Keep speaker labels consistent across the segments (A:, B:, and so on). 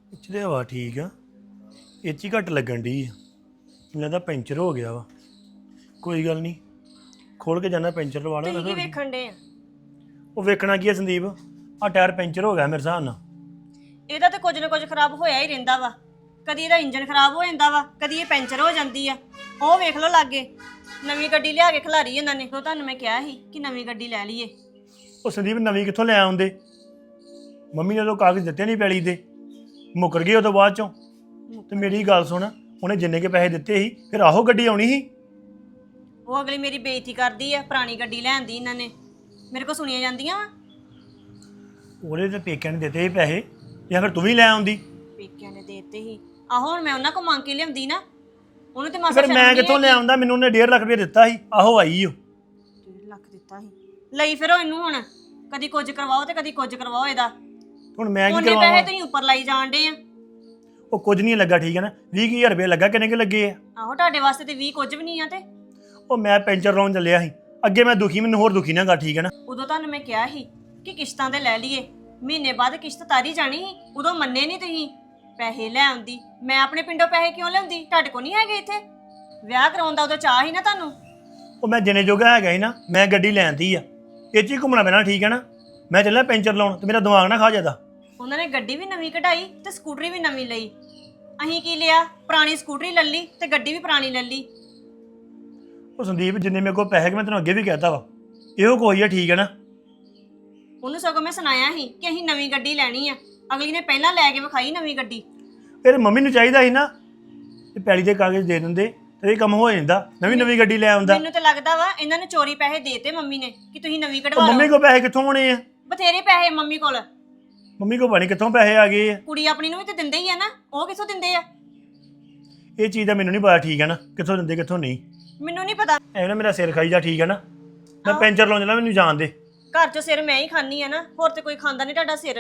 A: ਪਿਛਲੇ ਹਵਾ ਠੀਕ ਆ, ਇਹ 'ਚ ਹੀ ਘੱਟ ਲੱਗਣ ਡਈ ਆ। ਮੈਨੂੰ ਲੱਗਦਾ ਪੈਂਚਰ ਹੋ ਗਿਆ ਵਾ। ਕੋਈ ਗੱਲ ਨਹੀਂ, ਖੋਲ ਕੇ ਜਾਣਾ ਪੈਂਚਰ ਲਵਾ
B: ਤੁਸੀਂ ਕੀ
A: ਲੈਣਾ।
B: ਵੇਖਣ ਦੇ ਆ?
A: ਉਹ ਵੇਖਣਾ ਕੀ ਆ ਸੰਦੀਪ, ਆ ਟਾਇਰ ਪੈਂਚਰ ਹੋ ਗਿਆ ਮੇਰੇ ਹਿਸਾਬ ਨਾਲ।
B: ਇਹਦਾ ਤੇ ਕੁਝ ਨਾ ਕੁਝ ਖਰਾਬ ਹੋਇਆ ਹੀ ਰਹਿੰਦਾ ਵਾ। ਕਦੀ ਇਹਦਾ ਇੰਜਨ ਖਰਾਬ ਹੋ ਜਾਂਦਾ ਵਾ, ਕਦੀ ਇਹ ਪੈਂਚਰ ਹੋ ਜਾਂਦੀ ਆ। ਉਹ ਵੇਖ ਲਓ ਲਾਗੇ, ਨਵੀਂ ਗੱਡੀ ਲਿਆ ਕੇ ਖਿਲਾਰੀ ਇਹਨਾਂ ਨੇ। ਤੁਹਾਨੂੰ ਮੈਂ ਕਿਹਾ ਸੀ ਕਿ ਨਵੀਂ ਗੱਡੀ ਲੈ ਲਈਏ।
A: ਉਹ ਸੰਦੀਪ ਨਵੀਂ ਕਿੱਥੋਂ ਲੈ ਆਉਂਦੇ? ਮੰਮੀ ਨੇ ਤਾਂ ਕਾਗਜ਼ ਦਿੱਤੇ ਨਹੀਂ ਪੈਲੀ ਦੇ, ਮੁੱਕਰ ਗਏ ਉਹ ਤੋਂ ਬਾਅਦ ਚੋਂ। ਤੇ ਮੇਰੀ ਗੱਲ ਸੁਣ, ਉਹਨੇ ਜਿੰਨੇ ਕੇ ਪੈਸੇ ਦਿੱਤੇ ਸੀ ਫਿਰ ਆਹੋ ਗੱਡੀ ਆਉਣੀ ਸੀ।
B: ਉਹ ਅਗਲੀ ਮੇਰੀ ਬੇਇੱਜ਼ਤੀ ਕਰਦੀ ਆ, ਪੁਰਾਣੀ ਗੱਡੀ ਲੈਣ ਦੀ ਇਹਨਾਂ ਨੇ। ਮੇਰੇ ਕੋਲ ਸੁਣੀਆਂ ਜਾਂਦੀਆਂ ਵਾ।
A: ਉਹਦੇ ਤੇ ਪੇਕਿਆਂ ਨੇ ਦਿੱਤੇ ਸੀ ਪੈਸੇ, ਜਾਂ ਫਿਰ ਤੂੰ ਵੀ ਲੈ ਆਉਂਦੀ।
B: ਪੇਕਿਆਂ ਨੇ ਦੇਤੇ ਸੀ। ਆਹੋ ਹੁਣ ਮੈਂ ਉਹਨਾਂ ਕੋਲ ਮੰਗ ਕੇ ਲਿਆਉਂਦੀ ਨਾ, ਉਹਨੂੰ ਤੇ ਮਾਸਾ
A: ਫਿਰ ਮੈਂ ਕਿੱਥੋਂ ਲੈ ਆਉਂਦਾ? ਮੈਨੂੰ ਉਹਨੇ 1.5 ਲੱਖ ਰੁਪਏ ਦਿੱਤਾ ਸੀ, ਆਹੋ ਆਈ ਉਹ।
B: 1.5 ਲੱਖ ਦਿੱਤਾ ਸੀ, ਲਈ ਫਿਰੋ ਇਹਨੂੰ ਹੁਣ। ਕਦੀ ਕੁਝ ਕਰਵਾਓ ਤੇ ਕਦੀ ਕੁਝ ਕਰਵਾਓ ਇਹਦਾ।
A: ਹੁਣ ਮੈਂ ਕੀ
B: ਉਹਨੇ
A: ਕਰਵਾਵਾਂ?
B: ਪੈਸੇ ਤੁਸੀਂ ਉੱਪਰ ਲਾਈ ਜਾਣ ਡੇ ਆ।
A: ਉਹ ਕੁਝ ਨਹੀਂ ਲੱਗਾ, ਠੀਕ ਹੈ ਨਾ। 20,000 ਰੁਪਏ ਲੱਗਾ, ਕਿੰਨੇ ਕੁ ਲੱਗੇ ਆ?
B: ਆਹੋ ਤੁਹਾਡੇ ਵਾਸਤੇ ਤੇ 20 ਕੁਝ ਵੀ ਨਹੀਂ ਆ। ਤੇ
A: ਉਹ ਮੈਂ ਪੈਂਚਰ ਲਾਉਣ ਚੱਲਿਆ ਸੀ, ਅੱਗੇ ਮੈਂ ਦੁਖੀ, ਮੈਨੂੰ ਹੋਰ ਦੁਖੀ ਨਾ ਕਰ, ਠੀਕ ਹੈ ਨਾ।
B: ਉਦੋਂ ਤੁਹਾਨੂੰ ਮੈਂ ਕਿਹਾ ਸੀ ਕਿ ਕਿਸ਼ਤਾਂ ਤੇ ਲੈ ਲਈਏ, ਮਹੀਨੇ ਬਾਅਦ ਕਿਸ਼ਤ ਤਾਰੀ ਜਾਣੀ ਸੀ। ਉਦੋਂ ਮੰਨੇ ਨਹੀਂ ਤੁਸੀਂ, ਪੈਸੇ ਲੈ ਆਉਂਦੀ। ਮੈਂ ਆਪਣੇ ਪਿੰਡੋਂ ਪੈਸੇ ਕਿਉਂ ਲਿਆਉਂਦੀ? ਤੁਹਾਡੇ ਕੋਲ ਨਹੀਂ ਹੈਗੇ ਇੱਥੇ? ਵਿਆਹ ਕਰਾਉਣ ਦਾ ਉਦੋਂ ਚਾਹ ਸੀ ਨਾ ਤੁਹਾਨੂੰ।
A: ਉਹ ਮੈਂ ਜਿੰਨੇ ਜੋਗਾ ਹੈਗਾ ਸੀ ਨਾ, ਮੈਂ ਗੱਡੀ ਲੈਂਦੀ ਆ, ਇਹ 'ਚ ਹੀ ਘੁੰਮਣਾ ਪੈਣਾ, ਠੀਕ ਹੈ ਨਾ। ਮੈਂ ਚੱਲਿਆ ਪੈਂਚਰ ਲਾਉਣ, ਤੇ ਮੇਰਾ ਦਿਮਾਗ ਨਾ ਖਾ ਜਾਦਾ।
B: ਉਹਨਾਂ ਨੇ ਗੱਡੀ ਵੀ ਨਵੀਂ ਕਢਾਈ ਤੇ ਸਕੂਟਰੀ ਵੀ ਨਵੀਂ ਲਈ। ਅਸੀਂ ਕੀ ਲਿਆ? ਪੁਰਾਣੀ ਸਕੂਟਰੀ ਲੈ ਲਈ ਤੇ ਗੱਡੀ ਵੀ ਪੁਰਾਣੀ ਲੈ ਲਈ।
A: ਉਹ ਸੰਦੀਪ, ਜਿੰਨੇ ਮੇਰੇ ਕੋਲ ਪੈਸੇ, ਮੈਂ ਤੈਨੂੰ ਅੱਗੇ ਵੀ ਕਹਿਤਾ ਵਾ, ਇਹੋ ਕੋਈ ਆ, ਠੀਕ ਹੈ ਨਾ।
B: ਉਹਨੂੰ ਸਗੋਂ ਮੈਂ ਸੁਣਾਇਆ ਸੀ ਕਿ ਅਸੀਂ ਨਵੀਂ ਗੱਡੀ ਲੈਣੀ ਆ। ਅਗਲੀ ਨੇ ਪਹਿਲਾਂ ਲੈ ਕੇ ਵਿਖਾਈ ਨਵੀਂ ਗੱਡੀ।
A: ਫਿਰ ਮੰਮੀ ਨੂੰ ਚਾਹੀਦਾ ਸੀ ਨਾ ਤੇ ਪੈਲੀ ਦੇ ਕਾਗਜ਼ ਦੇ ਦਿੰਦੇ, ਤੇ ਇਹ ਕੰਮ ਹੋ ਜਾਂਦਾ, ਨਵੀਂ ਗੱਡੀ ਲੈ ਆਉਂਦਾ।
B: ਮੈਨੂੰ ਤਾਂ ਲੱਗਦਾ ਵਾ ਇਹਨਾਂ ਨੇ ਚੋਰੀ ਪੈਸੇ ਦੇਤੇ ਮੰਮੀ ਨੇ ਕਿ ਤੁਸੀਂ ਨਵੀਂ ਕਢਵਾ
A: ਉਹ
B: ਲਓ।
A: ਮੰਮੀ ਕੋਲ ਪੈਸੇ ਕਿੱਥੋਂ ਆਉਣੇ ਆ?
B: ਬਥੇਰੇ ਪੈਸੇ ਮੰਮੀ ਕੋਲ।
A: ਮੰਮੀ ਕੋਲ ਪਤਾ ਕਿੱਥੋਂ ਪੈਸੇ ਆ ਗਏ ਆ।
B: ਕੁੜੀ ਆਪਣੀ ਨੂੰ ਵੀ ਤੇ ਦਿੰਦੇ ਹੀ ਆ ਨਾ, ਉਹ ਕਿੱਥੋਂ ਦਿੰਦੇ ਆ?
A: ਇਹ ਚੀਜ਼ ਦਾ ਮੈਨੂੰ ਨਹੀਂ ਪਤਾ, ਠੀਕ ਹੈ ਨਾ, ਕਿੱਥੋਂ ਦਿੰਦੇ ਕਿੱਥੋਂ ਨਹੀਂ।
B: ਮੈਨੂੰ ਨਹੀਂ ਪਤਾ।
A: ਐਵੇਂ ਨਾ ਮੇਰਾ ਸਿਰ ਖਾਈ ਜਾ, ਠੀਕ ਹੈ ਨਾ। ਮੈਂ ਪੈਂਚਰ ਲਾਉਣ ਚੱਲਾਂ, ਮੈਨੂੰ ਜਾਣ ਦੇ।
B: ਘਰ 'ਚ ਸਿਰ ਮੈਂ ਹੀ ਖਾਣੀ ਆ ਨਾ, ਹੋਰ ਤੇ ਕੋਈ ਖਾਂਦਾ ਨਹੀਂ ਤੁਹਾਡਾ ਸਿਰ।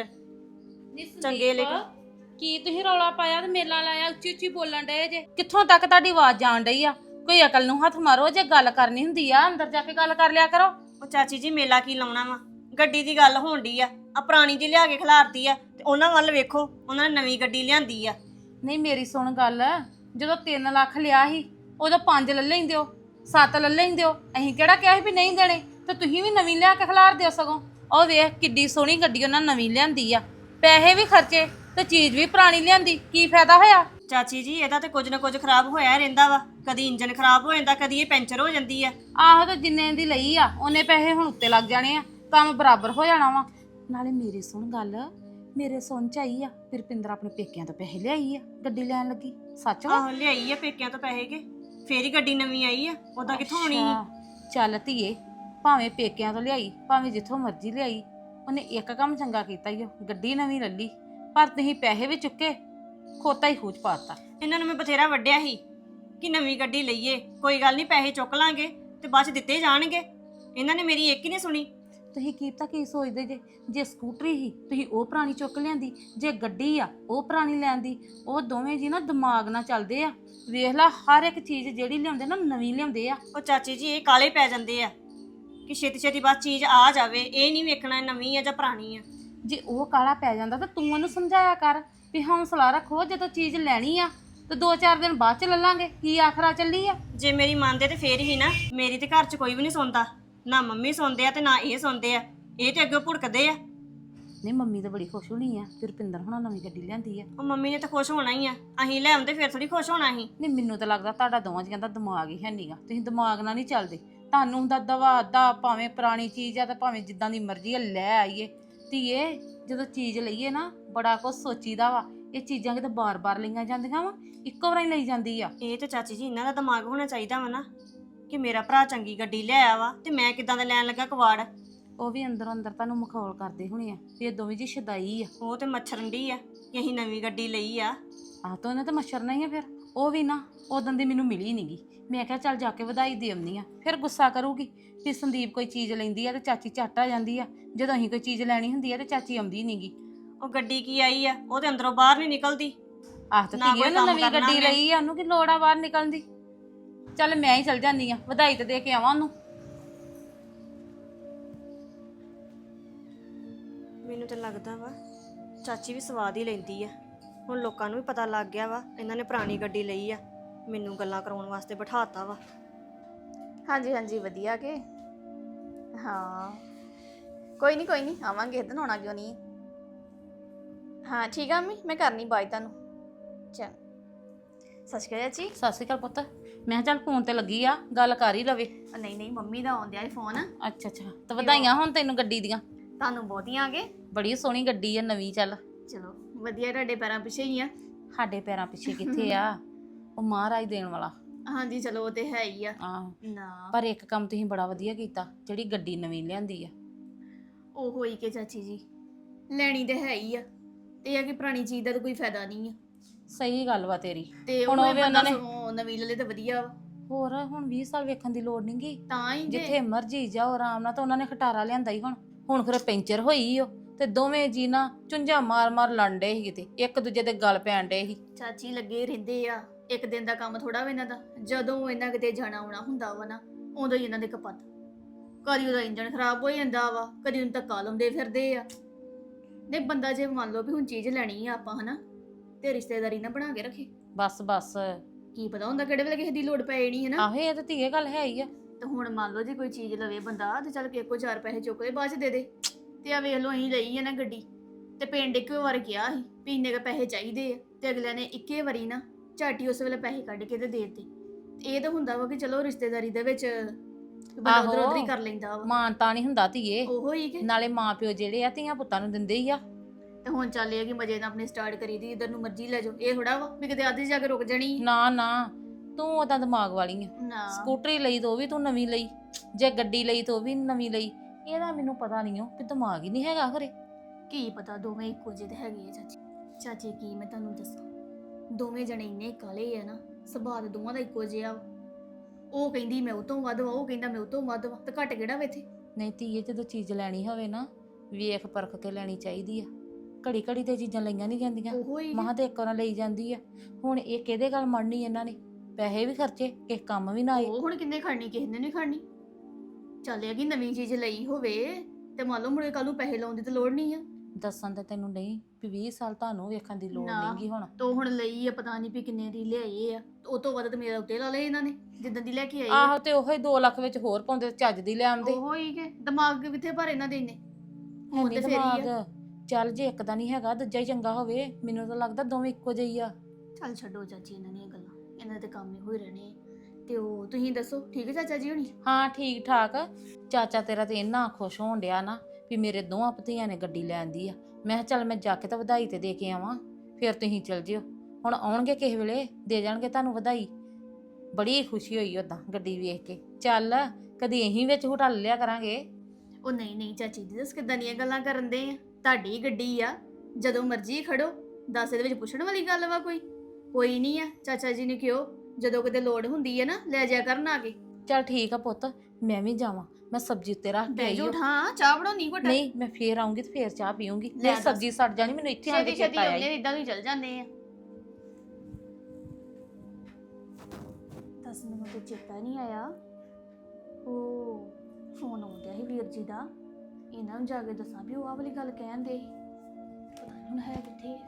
B: ਚੰਗੇ ਲੇਕਿਨ
C: ਕੀ ਤੁਸੀਂ ਰੌਲਾ ਪਾਇਆ ਤੇ ਮੇਲਾ ਲਾਇਆ, ਉੱਚੀ ਉੱਚੀ ਬੋਲਣ ਡਏ ਜੇ? ਕਿੱਥੋਂ ਤੱਕ ਤੁਹਾਡੀ ਆਵਾਜ਼ ਜਾਣ ਡਈ ਆ? ਕੋਈ ਅਕਲ ਨੂੰ ਹੱਥ ਮਾਰੋ, ਜੇ ਗੱਲ ਕਰਨੀ ਹੁੰਦੀ ਆ ਅੰਦਰ ਜਾ ਕੇ ਗੱਲ ਕਰ ਲਿਆ ਕਰੋ।
B: ਉਹ ਚਾਚੀ ਜੀ ਮੇਲਾ ਕੀ ਲਾਉਣਾ ਵਾ? ਗੱਡੀ ਦੀ ਗੱਲ ਹੋਣ ਡਈ ਆ ਪੁਰਾਣੀ ਜੀ ਲਿਆ ਕੇ ਖਿਲਾਰਤੀ ਆ। ਤੇ ਉਹਨਾਂ ਵੱਲ ਵੇਖੋ, ਉਹਨਾਂ ਨੇ ਨਵੀਂ ਗੱਡੀ ਲਿਆਂਦੀ ਆ।
C: ਨਹੀਂ ਮੇਰੀ ਸੁਣ ਗੱਲ, ਜਦੋਂ 3 ਲੱਖ ਲਿਆ ਸੀ ਉਦੋਂ 5 ਲੈ ਲੈਂਦੇ ਹੋ, 7 ਲੈ ਲੈਂਦੇ ਹੋ। ਅਸੀਂ ਕਿਹੜਾ ਕਿਹਾ ਸੀ ਵੀ ਨਹੀਂ ਦੇਣੇ? ਤੇ ਤੁਸੀਂ ਵੀ ਨਵੀਂ ਲਿਆ ਕੇ ਖਿਲਾਰ ਦਿਓ। ਸਗੋਂ ਉਹ ਵੇਖ ਕਿੱਡੀ ਸੋਹਣੀ ਗੱਡੀ ਉਹਨਾਂ ਨਵੀਂ ਲਿਆਂਦੀ ਆ, ਪੈਸੇ ਵੀ ਖਰਚੇ ਤੇ ਚੀਜ਼ ਵੀ ਪੁਰਾਣੀ ਲਿਆਂਦੀ, ਕੀ ਫਾਇਦਾ ਹੋਇਆ?
B: ਚਾਚੀ ਜੀ ਇਹਦਾ ਤੇ ਕੁਝ ਨਾ ਕੁਝ ਖਰਾਬ ਹੋਇਆ ਰਹਿੰਦਾ ਵਾ। ਕਦੀ ਇੰਜਨ ਖਰਾਬ ਹੋ ਜਾਂਦਾ, ਕਦੀ ਇਹ ਪੈਂਚਰ ਹੋ ਜਾਂਦੀ ਆ।
C: ਆਹੋ, ਤੇ ਜਿੰਨੇ ਦੀ ਲਈ ਆ ਉਹਨੇ ਪੈਸੇ ਹੁਣ ਉੱਤੇ ਲੱਗ ਜਾਣੇ ਆ, ਕੰਮ ਬਰਾਬਰ ਹੋ ਜਾਣਾ ਵਾ। ਨਾਲੇ ਮੇਰੀ ਸੁਣ ਗੱਲ, ਮੇਰੇ ਸੁਣ ਚ ਆਈ ਆ ਰੁਪਿੰਦਰ ਆਪਣੇ ਪੇਕਿਆਂ ਤੋਂ ਪੈਸੇ ਲਿਆਈ ਆ ਗੱਡੀ ਲੈਣ ਲੱਗੀ। ਸੱਚ ਵਾ?
B: ਆਹੋ ਲਿਆਈ ਆ ਪੇਕਿਆਂ ਤੋਂ ਪੈਸੇ ਕੇ, ਫੇਰ ਹੀ ਗੱਡੀ ਨਵੀਂ ਆਈ ਆ। ਉਹਦਾ ਕਿੱਥੋਂ ਹੋਣੀ ਸੀ?
C: ਚੱਲ ਧੀਏ, ਭਾਵੇਂ ਪੇਕਿਆਂ ਤੋਂ ਲਿਆਈ, ਭਾਵੇਂ ਜਿੱਥੋਂ ਮਰਜ਼ੀ ਲਿਆਈ, ਉਹਨੇ ਇੱਕ ਕੰਮ ਚੰਗਾ ਕੀਤਾ ਈ, ਉਹ ਗੱਡੀ ਨਵੀਂ ਲੱਲੀ। ਪਰ ਤੁਸੀਂ ਪੈਸੇ ਵੀ ਚੁੱਕੇ, ਖੋਤਾ ਹੀ ਖੂਚ ਪਾਤਾ।
B: ਇਹਨਾਂ ਨੂੰ ਮੈਂ ਬਥੇਰਾ ਵੱਢਿਆ ਸੀ ਕਿ ਨਵੀਂ ਗੱਡੀ ਲਈਏ, ਕੋਈ ਗੱਲ ਨਹੀਂ ਪੈਸੇ ਚੁੱਕ ਲਾਂਗੇ ਤੇ ਬਾਅਦ ਚ ਦਿੱਤੇ ਜਾਣਗੇ। ਇਹਨਾਂ ਨੇ ਮੇਰੀ ਇੱਕ ਹੀ ਨਹੀਂ ਸੁਣੀ।
C: ਤੁਸੀਂ ਕੀ ਸੋਚਦੇ ਜੇ ਸਕੂਟਰੀ ਹੀ ਤੁਸੀਂ ਉਹ ਪੁਰਾਣੀ ਚੁੱਕ ਲਿਆਂਦੀ, ਜੇ ਗੱਡੀ ਆ ਉਹ ਪੁਰਾਣੀ ਲੈਂਦੀ। ਉਹ ਦੋਵੇਂ ਜੀ ਨਾ ਦਿਮਾਗ ਨਾਲ ਚੱਲਦੇ ਆ। ਵੇਖ ਲਾ, ਹਰ ਇੱਕ ਚੀਜ਼ ਜਿਹੜੀ ਲਿਆਉਂਦੇ ਨਾ ਨਵੀਂ ਲਿਆਉਂਦੇ ਆ।
B: ਉਹ ਚਾਚੀ ਜੀ ਇਹ ਕਾਲੇ ਪੈ ਜਾਂਦੇ ਆ ਕਿ ਛੇਤੀ ਛੇਤੀ ਬਸ ਚੀਜ਼ ਆ ਜਾਵੇ, ਇਹ ਨਹੀਂ ਵੇਖਣਾ ਨਵੀਂ ਆ ਜਾਂ ਪੁਰਾਣੀ ਆ।
C: ਜੇ ਉਹ ਕਾਲਾ ਪੈ ਜਾਂਦਾ ਤਾਂ ਤੂੰ ਉਹਨੂੰ ਸਮਝਾਇਆ ਕਰ ਵੀ ਹੌਸਲਾ ਰੱਖੋ, ਜਦੋਂ ਚੀਜ਼ ਲੈਣੀ ਆ ਤੇ 2-4 ਦਿਨ ਬਾਅਦ ਚ ਲੈ ਲਾਂਗੇ, ਕੀ ਆਖਰਾ ਚੱਲੀ ਆ।
B: ਜੇ ਮੇਰੀ ਮੰਨਦੇ ਤੇ ਫੇਰ ਹੀ ਨਾ। ਮੇਰੀ ਤੇ ਘਰ 'ਚ ਕੋਈ ਵੀ ਨਹੀਂ ਸੁਣਦਾ, ਨਾ ਮੰਮੀ ਸੁਣਦੇ ਆ ਤੇ ਨਾ ਇਹ ਸੁਣਦੇ ਆ। ਇਹ ਤੇ ਅੱਗੇ ਭੁੜਕਦੇ ਆ।
C: ਨਹੀਂ ਮੰਮੀ ਤਾਂ ਬੜੀ ਖੁਸ਼ ਹੋਣੀ ਆ ਕਿ ਰੁਪਿੰਦਰ ਹੁਣਾਂ ਨਵੀਂ ਗੱਡੀ ਲਿਆਂਦੀ ਆ।
B: ਉਹ ਮੰਮੀ ਨੇ ਤਾਂ ਖੁਸ਼ ਹੋਣਾ ਹੀ ਆ, ਅਸੀਂ ਲੈ ਆਉਂਦੇ ਫੇਰ ਥੋੜੀ ਖੁਸ਼ ਹੋਣਾ ਸੀ।
C: ਨਹੀਂ ਮੈਨੂੰ ਤਾਂ ਲੱਗਦਾ ਤੁਹਾਡਾ ਦੋਵਾਂ ਜੀਆਂ ਦਾ ਦਿਮਾਗ ਹੀ ਹੈ ਨਹੀਂਗਾ, ਤੁਸੀਂ ਦਿਮਾਗ ਨਾਲ ਨਹੀਂ ਚੱਲਦੇ। ਤੁਹਾਨੂੰ ਹੁੰਦਾ ਦਵਾ ਦਾ, ਭਾਵੇਂ ਪੁਰਾਣੀ ਚੀਜ਼ ਆ ਤੇ ਭਾਵੇਂ ਜਿੱਦਾਂ ਦੀ ਮਰਜ਼ੀ ਆ ਲੈ ਆਈਏ। ਧੀਏ ਜਦੋਂ ਚੀਜ਼ ਲਈਏ ਨਾ ਬੜਾ ਕੁਝ ਸੋਚੀਦਾ ਵਾ। ਇਹ ਚੀਜ਼ਾਂ ਕਿਤੇ ਬਾਰ-ਬਾਰ ਲਈਆਂ ਜਾਂਦੀਆਂ ਵਾ, ਇੱਕੋ ਵਾਰੀ ਲਈ ਜਾਂਦੀ ਆ।
B: ਇਹ ਤੇ ਚਾਚੀ ਜੀ ਇਹਨਾਂ ਦਾ ਦਿਮਾਗ ਹੋਣਾ ਚਾਹੀਦਾ ਵਾ ਨਾ ਕਿ ਮੇਰਾ ਭਰਾ ਚੰਗੀ ਗੱਡੀ ਲਿਆਇਆ ਵਾ ਤੇ ਮੈਂ ਕਿੱਦਾਂ ਦਾ ਲੈਣ ਲੱਗਾ ਕਵਾੜ।
C: ਉਹ ਵੀ ਅੰਦਰੋਂ ਅੰਦਰ ਤੁਹਾਨੂੰ ਮਖੌਲ ਕਰਦੇ ਹੋਣੇ ਆ ਵੀ ਇਹ ਦੋਵੇਂ ਜੀ ਸ਼ਦਾਈ ਆ।
B: ਉਹ ਤੇ ਮੱਛਰੰਡੀ ਆ ਕਿ ਅਸੀਂ ਨਵੀਂ ਗੱਡੀ ਲਈ ਆ।
C: ਆਹ ਤਾਂ ਉਹਨੇ ਤਾਂ ਮੱਛਰਨਾ ਹੀ ਆ। ਫਿਰ ਉਹ ਵੀ ਨਾ ਉਦੋਂ ਦੀ ਮੈਨੂੰ ਮਿਲੀ ਨਹੀਂਗੀ। ਮੈਂ ਕਿਹਾ ਚੱਲ ਜਾ ਕੇ ਵਧਾਈ ਦੇ ਆਉਂਦੀ ਆ, ਫਿਰ ਗੁੱਸਾ ਕਰੂਗੀ ਵੀ ਸੰਦੀਪ ਕੋਈ ਚੀਜ਼ ਲੈਂਦੀ ਆ ਤੇ ਚਾਚੀ ਝੱਟ ਆ ਜਾਂਦੀ ਆ, ਜਦੋਂ ਅਸੀਂ ਕੋਈ ਚੀਜ਼ ਲੈਣੀ ਹੁੰਦੀ ਆ ਤੇ ਚਾਚੀ ਆਉਂਦੀ ਨਹੀਂਗੀ।
B: ਉਹ ਗੱਡੀ ਕੀ ਆਈ ਆ, ਉਹ ਤੇ ਅੰਦਰੋਂ ਬਾਹਰ ਨਹੀਂ ਨਿਕਲਦੀ।
C: ਆਹ ਤਾਂ ਧੀਏ ਉਹਨੇ ਨਵੀਂ ਗੱਡੀ ਲਈ ਆ, ਉਹਨੂੰ ਕੀ ਲੋੜ ਆ ਬਾਹਰ ਨਿਕਲਣ ਦੀ। ਚੱਲ ਮੈਂ ਹੀ ਚਲ ਜਾਂਦੀ ਆ, ਵਧਾਈ ਤੇ ਦੇ ਕੇ ਆਵਾਂ ਉਹਨੂੰ।
B: ਮੈਨੂੰ ਤਾਂ ਲੱਗਦਾ ਵਾ ਚਾਚੀ ਵੀ ਸਵਾਦ ਹੀ ਲੈਂਦੀ ਆ ਹੁਣ ਲੋਕਾਂ ਨੂੰ ਵੀ ਪਤਾ ਲੱਗ ਗਿਆ ਵਾ ਇਹਨਾਂ ਨੇ ਪੁਰਾਣੀ ਗੱਡੀ ਲਈ ਆ, ਮੈਨੂੰ ਗੱਲਾਂ ਕਰਾਉਣ ਵਾਸਤੇ ਬਿਠਾਤਾ ਵਾ।
D: ਹਾਂਜੀ ਹਾਂਜੀ ਵਧੀਆ ਕਿ ਹਾਂ ਕੋਈ ਨਹੀਂ ਆਵਾਂਗੇ ਇਦਾਂ ਆਉਣਾ ਕਿਉਂ ਨਹੀਂ। ਹਾਂ ਠੀਕ ਆ ਮੰਮੀ, ਮੈਂ ਕਰਨੀ ਬਾਈ ਤੁਹਾਨੂੰ। ਚਲ ਸਤਿ ਸ਼੍ਰੀ ਅਕਾਲ ਚਾਚੀ।
C: ਸਤਿ ਸ਼੍ਰੀ ਅਕਾਲ ਪੁੱਤ। ਮੈਂ ਕਿਹਾ ਚੱਲ ਫੋਨ ਤੇ ਲੱਗੀ ਆ, ਗੱਲ ਕਰ ਹੀ ਲਵੇ।
D: ਨਹੀਂ ਮੰਮੀ ਦਾ ਆਉਂਦਿਆ ਹੀ ਫੋਨ।
C: ਅੱਛਾ ਅੱਛਾ, ਤਾਂ ਵਧਾਈਆਂ ਹੁਣ ਤੈਨੂੰ ਗੱਡੀ ਦੀਆਂ।
D: ਤੁਹਾਨੂੰ ਬਹੁਤੀਆਂ ਆ ਗਏ।
C: ਬੜੀ ਸੋਹਣੀ ਗੱਡੀ ਆ ਨਵੀਂ। ਚੱਲ
D: ਚਲੋ ਵਧੀਆ, ਤੁਹਾਡੇ ਪੈਰਾਂ ਪਿੱਛੇ ਹੀ ਆ।
C: ਸਾਡੇ ਪੈਰਾਂ ਪਿੱਛੇ ਕਿੱਥੇ ਆ, ਉਹ ਮਹਾਰਾਜ ਦੇਣ ਵਾਲਾ।
D: ਹਾਂਜੀ ਚਲੋ ਉਹ ਤੇ ਹੈ ਹੀ ਆ
C: ਆਹ
D: ਨਾ।
C: ਪਰ ਇੱਕ ਕੰਮ ਤੁਸੀਂ ਬੜਾ ਵਧੀਆ ਕੀਤਾ, ਜਿਹੜੀ ਗੱਡੀ ਨਵੀਂ ਲਿਆਂਦੀ ਆ।
D: ਉਹ ਹੋਈ ਕਿ ਚਾਚੀ ਜੀ, ਲੈਣੀ ਤੇ ਹੈ ਹੀ ਆ, ਤੇ ਇਹ ਆ ਕਿ ਪੁਰਾਣੀ ਚੀਜ਼ ਦਾ ਤਾਂ ਕੋਈ ਫਾਇਦਾ ਨਹੀਂ ਆ।
C: ਸਹੀ ਗੱਲ ਵਾ ਤੇਰੀ।
D: ਤੇ
C: ਹੁਣ
D: ਉਹ
C: ਉਹ ਵੀ
D: ਬੰਦਾ
C: ਉਹਨਾਂ ਨੇ
D: ਸਗੋਂ ਨਵੀਂ ਲੈ ਲੇ ਤਾਂ ਵਧੀਆ ਵਾ।
C: ਹੋਰ ਹੁਣ 20 ਸਾਲ ਵੇਖਣ ਦੀ ਲੋੜ ਨੀ ਗੀ,
D: ਤਾਂ ਹੀ ਜੇ
C: ਜਿੱਥੇ ਮਰਜੀ ਜਾਓ ਆਰਾਮ ਨਾਲ। ਤਾਂ ਉਹਨਾਂ ਨੇ ਖਟਾਰਾ ਲਿਆਂਦਾ ਹੀ ਹੁਣ ਫਿਰ ਪੈਂਚਰ ਹੋਈ ਓ, ਤੇ ਦੋਵੇਂ ਜੀ ਨਾ ਚੁੰਝਾ ਮਾਰ ਲੜਨ ਡੇ ਸੀ, ਕਿਤੇ ਇੱਕ ਦੂਜੇ ਦੇ ਗਲ ਪੈਣ ਡੇ ਸੀ।
D: ਚਾਚੀ ਲੱਗੇ ਰਹਿੰਦੇ ਆ, ਇੱਕ ਦਿਨ ਦਾ ਕੰਮ ਥੋੜਾ ਵਾ ਇਹਨਾਂ ਦਾ। ਜਦੋਂ ਇਹਨਾਂ ਕਿਤੇ ਜਾਣਾ ਆਉਣਾ ਹੁੰਦਾ ਵਾ ਨਾ, ਉਦੋਂ ਹੀ ਇਹਨਾਂ ਦੇ ਕਪੱਤ। ਕਦੀ ਉਹਦਾ ਇੰਜਣ ਖਰਾਬ ਹੋ ਜਾਂਦਾ ਵਾ, ਕਦੀ ਉਹਨੂੰ ਧੱਕਾ ਲਾਉਂਦੇ ਫਿਰਦੇ ਆ। ਨਹੀਂ ਬੰਦਾ ਜੇ ਮੰਨ ਲਓ ਵੀ ਹੁਣ ਚੀਜ਼ ਲੈਣੀ ਆ ਆਪਾਂ ਹਨਾ, ਤੇ ਰਿਸ਼ਤੇਦਾਰੀ ਨਾ ਬਣਾ ਕੇ ਰੱਖੇ।
C: ਬਸ
D: ਕੀ ਪਤਾ ਹੁੰਦਾ ਕਿਹੜੇ ਵੇਲੇ ਕਿਸੇ ਦੀ ਲੋੜ ਪੈ ਜਾਣੀ ਹੈ ਨਾ।
C: ਆਹੋ ਇਹ ਤਾਂ ਧੀਏ ਗੱਲ ਹੈ ਹੀ ਆ।
D: ਤੇ ਹੁਣ ਮੰਨ ਲਓ ਜੇ ਕੋਈ ਚੀਜ਼ ਲਵੇ ਬੰਦਾ, ਤੇ ਚੱਲ ਕਿਸੇ ਕੋ 4 ਪੈਸੇ ਚੁੱਕ ਕੇ ਬਾਅਦ ਚ ਦੇ ਦੇ। ਤੇ ਆ ਵੇਖ ਲਓ ਅਸੀਂ ਲਈ ਆ ਨਾ ਗੱਡੀ, ਤੇ ਪਿੰਡ ਇੱਕੋ ਵਾਰ ਗਿਆ ਸੀ ਵੀ ਇੰਨੇ ਕੁ ਪੈਸੇ ਚਾਹੀਦੇ ਆ, ਤੇ ਅਗਲਿਆਂ ਨੇ ਇੱਕੇ ਵਾਰੀ ਨਾ ਝਾਟੀ ਉਸ ਵੇਲੇ ਪੈਸੇ ਕੱਢ ਕੇ ਤੇ ਦੇ ਦਿੱਤੇ। ਇਹ ਤਾਂ ਹੁੰਦਾ ਵਾ ਕਿ ਚਲੋ ਰਿਸ਼ਤੇਦਾਰੀ ਦੇ ਵਿੱਚ ਬੰਦਾ ਉਧਰ ਉਧਰ ਹੀ ਕਰ ਲੈਂਦਾ ਵਾ।
C: ਮਾਨਤਾ ਨਹੀਂ ਹੁੰਦਾ ਧੀਏ,
D: ਉਹੋ ਹੀ ਕਿ
C: ਨਾਲੇ ਮਾਂ ਪਿਓ ਜਿਹੜੇ ਆ ਧੀਆਂ ਪੁੱਤਾਂ ਨੂੰ ਦਿੰਦੇ ਹੀ ਆ।
D: ਤੇ ਹੁਣ ਚੱਲ ਇਹ ਕਿ ਮਜੇ ਨਾਲ ਆਪਣੇ ਸਟਾਰਟ ਕਰੀ ਦੀ, ਇਧਰ ਨੂੰ ਮਰਜ਼ੀ ਲੈ ਜਾਓ। ਇਹ ਥੋੜਾ ਵਾ ਵੀ ਕਿਤੇ ਅੱਧੀ ਜਾ ਕੇ ਰੁਕ ਜਾਣੀ।
C: ਨਾ ਤੂੰ ਉਹਦਾ ਦਿਮਾਗ ਵਾਲੀ ਆ।
D: ਨਾ
C: ਸਕੂਟਰੀ ਲਈ ਤਾਂ ਉਹ ਵੀ ਤੂੰ ਨਵੀਂ ਲਈ, ਜੇ ਗੱਡੀ ਲਈ ਤਾਂ ਉਹ ਵੀ ਨਵੀਂ ਲਈ। ਇਹਦਾ ਮੈਨੂੰ ਪਤਾ ਨਹੀਂ ਉਹ ਕਿ ਦਿਮਾਗ ਹੀ ਨਹੀਂ ਹੈਗਾ ਘਰੇ।
D: ਕੀ ਪਤਾ ਦੋਵੇਂ ਇੱਕੋ ਜਿਹੇ ਤੇ ਹੈਗੇ ਆ ਚਾਚੀ। ਚਾਚੀ ਕੀ ਮੈਂ ਤੁਹਾਨੂੰ ਦੱਸਾਂ, ਦੋਵੇਂ ਜਣੇ ਇੰਨੇ ਕਾਲੇ ਆ ਨਾ, ਸੁਭਾਅ ਤਾਂ ਦੋਵਾਂ ਦਾ ਇੱਕੋ ਜਿਹਾ ਵਾ। ਉਹ ਕਹਿੰਦੀ ਮੈਂ ਉਹ ਤੋਂ ਵੱਧ ਵਾ, ਉਹ ਕਹਿੰਦਾ ਮੈਂ ਉਹ ਤੋਂ ਵੱਧ ਵਾ, ਤੇ ਘੱਟ ਕਿਹੜਾ ਵਾ ਇੱਥੇ।
C: ਨਹੀਂ ਧੀਏ, ਜਦੋਂ ਚੀਜ਼ ਲੈਣੀ ਹੋਵੇ ਨਾ ਵੇਖ ਪਰਖ ਕੇ ਲੈਣੀ ਚਾਹੀਦੀ ਆ। ਘੜੀ ਘੜੀ ਤੇ ਚੀਜ਼ਾਂ ਲਈਆਂ ਨਹੀਂ ਜਾਂਦੀਆਂ।
D: ਉਹੋ ਹੀ
C: ਮਹਾਂ ਤੇ ਇੱਕ ਵਾਰ ਲਈ ਜਾਂਦੀ ਆ। ਹੁਣ ਇਹ ਕਿਹਦੇ ਗੱਲ ਮੰਨਣੀ ਇਹਨਾਂ ਨੇ, ਪੈਸੇ ਵੀ ਖਰਚੇ, ਕਿਸੇ ਕੰਮ ਵੀ ਨਾ ਆਏ।
D: ਉਹ ਹੁਣ ਕਿੰਨੇ ਖੜਨੀ, ਕਿਸੇ ਨੇ ਨਹੀਂ ਖੜਨੀ। ਚੱਲ ਇਹ ਕਿ ਨਵੀਂ ਚੀਜ਼ ਲਈ ਹੋਵੇ ਤੇ ਮੰਨ ਲਓ ਮੁੜੇ ਕੱਲ ਨੂੰ ਪੈਸੇ ਲਾਉਣ ਦੀ ਤਾਂ ਲੋੜ ਨਹੀਂ ਆ।
C: ਦੱਸਣ ਤਾਂ ਤੈਨੂੰ ਨਹੀਂ ਵੀ 20 ਸਾਲ ਤੁਹਾਨੂੰ ਵੇਖਣ ਦੀ ਲੋੜ
D: ਨਾ।
C: ਨਹੀਂਗੀ ਹੁਣ।
D: ਤੋ ਹੁਣ ਲਈ ਆ, ਪਤਾ ਨਹੀਂ ਵੀ ਕਿੰਨੇ ਦੀ ਲਿਆਏ ਆ। ਉਹ ਤੋਂ ਵੱਧ ਤਾਂ ਮੇਰਾ ਉੱਤੇ ਲਾ ਲਏ ਇਹਨਾਂ ਨੇ ਜਿੱਦਾਂ ਦੀ ਲੈ ਕੇ ਆਏ ਆ।
C: ਆਹੋ ਤੇ ਉਹੀ 2 ਲੱਖ ਵਿੱਚ ਹੋਰ ਪਾਉਂਦੇ ਤੇ ਚੱਜ ਦੀ ਲੈ ਆਉਂਦੇ।
D: ਉਹੋ ਹੀ ਕਿ ਦਿਮਾਗ ਕਿੱਥੇ ਭਰ ਇਹਨਾਂ ਦੇ ਇੰਨੇ। ਹੁਣ
C: ਨਹੀਂ
D: ਤੇ ਫੇਰ ਹੀ ਆ।
C: ਦਿਮਾਗ ਚੱਲ ਜੇ ਇੱਕ ਦਾ ਨਹੀਂ ਹੈਗਾ ਦੂਜਾ ਹੀ ਚੰਗਾ ਹੋਵੇ। ਮੈਨੂੰ ਤਾਂ ਲੱਗਦਾ ਦੋਵੇਂ ਇੱਕੋ ਜਿਹੇ ਹੀ ਆ।
D: ਚੱਲ ਛੱਡੋ ਚਾਚੀ ਇਹਨਾਂ ਦੀਆਂ ਗੱਲਾਂ, ਇਹਨਾਂ ਦੇ ਕੰਮ ਹੀ ਹੋਈ ਰਹਿਣੇ। ਤੇ ਉਹ ਤੁਸੀਂ ਦੱਸੋ ਠੀਕ ਹੈ ਚਾਚਾ ਜੀ ਹੋਣੀ?
C: ਹਾਂ ਠੀਕ ਠਾਕ। ਚਾਚਾ ਤੇਰਾ ਤੇ ਇੰਨਾ ਖੁਸ਼ ਹੋਣ ਡਿਆ ਨਾ ਵੀ ਮੇਰੇ ਦੋਹਾਂ ਭਤੀਆਂ ਨੇ ਗੱਡੀ ਲੈਂਦੀ ਆ। ਮੈਂ ਕਿਹਾ ਚੱਲ ਮੈਂ ਜਾ ਕੇ ਤਾਂ ਵਧਾਈ ਤੇ ਦੇ ਕੇ ਆਵਾਂ, ਫਿਰ ਤੁਸੀਂ ਚਲ ਜਿਓ। ਹੁਣ ਆਉਣਗੇ ਕਿਸੇ ਵੇਲੇ ਦੇ ਜਾਣਗੇ ਤੁਹਾਨੂੰ ਵਧਾਈ। ਬੜੀ ਖੁਸ਼ੀ ਹੋਈ ਉਦਾਂ ਗੱਡੀ ਵੇਖ ਕੇ। ਚੱਲ ਕਦੀ ਅਸੀਂ ਵਿੱਚ ਹੁਟਲ ਲਿਆ ਕਰਾਂਗੇ।
D: ਉਹ ਨਹੀਂ ਚਾਚੀ ਜੀ, ਦੱਸ ਕਿੱਦਾਂ ਦੀਆਂ ਗੱਲਾਂ ਕਰਨ ਦੇ ਆ। ਤੁਹਾਡੀ ਗੱਡੀ ਆ, ਜਦੋਂ ਮਰਜ਼ੀ ਖੜੋ। ਦੱਸ ਇਹਦੇ ਵਿੱਚ ਪੁੱਛਣ ਵਾਲੀ ਗੱਲ ਵਾ ਕੋਈ ਨਹੀਂ ਆ। ਚਾਚਾ ਜੀ ਨੇ ਕਿਹਾ ਜਦੋਂ ਕਿਤੇ ਲੋੜ ਹੁੰਦੀ ਹੈ ਨਾ ਲੈ ਜਾ ਕਰਨ ਆ ਕੇ।
C: ਚੱਲ ਠੀਕ ਆ ਪੁੱਤ, ਮੈਂ ਵੀ ਜਾਵਾਂ। ਮੈਂ ਸਬਜ਼ੀ ਉੱਤੇ ਰੱਖ ਕੇ
D: ਬਹਿ
C: ਆਈ
D: ਜਾਓ,
C: ਹਾਂ।
D: ਹਾਂ ਚਾਹ ਬਣਾਉਣੀ ਘਟਾ।
C: ਨਹੀਂ ਮੈਂ ਫੇਰ ਆਉਂਗੀ ਤੇ ਫੇਰ ਚਾਹ ਪੀਉਂਗੀ।
D: ਲੈ
C: ਮੇਰੀ
D: ਦੱਸ।
C: ਸਬਜ਼ੀ ਸੜ ਜਾਣੀ, ਮੈਨੂੰ ਇੱਥੇ ਆ ਕੇ
D: ਛੇਤੀ
C: ਚੇਤਾ ਆਇਆ
D: ਆਉਂਦੇ
C: ਈ।
D: ਇਦਾਂ ਵੀ ਚੱਲ ਜਾਂਦੇ ਆ। ਦੱਸ ਮੈਨੂੰ ਤੇ ਚੇਤਾ ਨਹੀਂ ਆਇਆ। ਉਹ ਫੋਨ ਆਉਂਦਿਆ ਸੀ ਵੀਰ ਜੀ ਦਾ, ਇਹਨਾਂ ਨੂੰ ਜਾ ਕੇ ਦੱਸਾਂ ਵੀ ਉਹ ਆਹ ਵਾਲੀ ਗੱਲ ਕਹਿੰਦੇ ਸੀ। ਪਤਾ ਨਹੀਂ ਹੁਣ ਹੈ ਕਿੱਥੇ।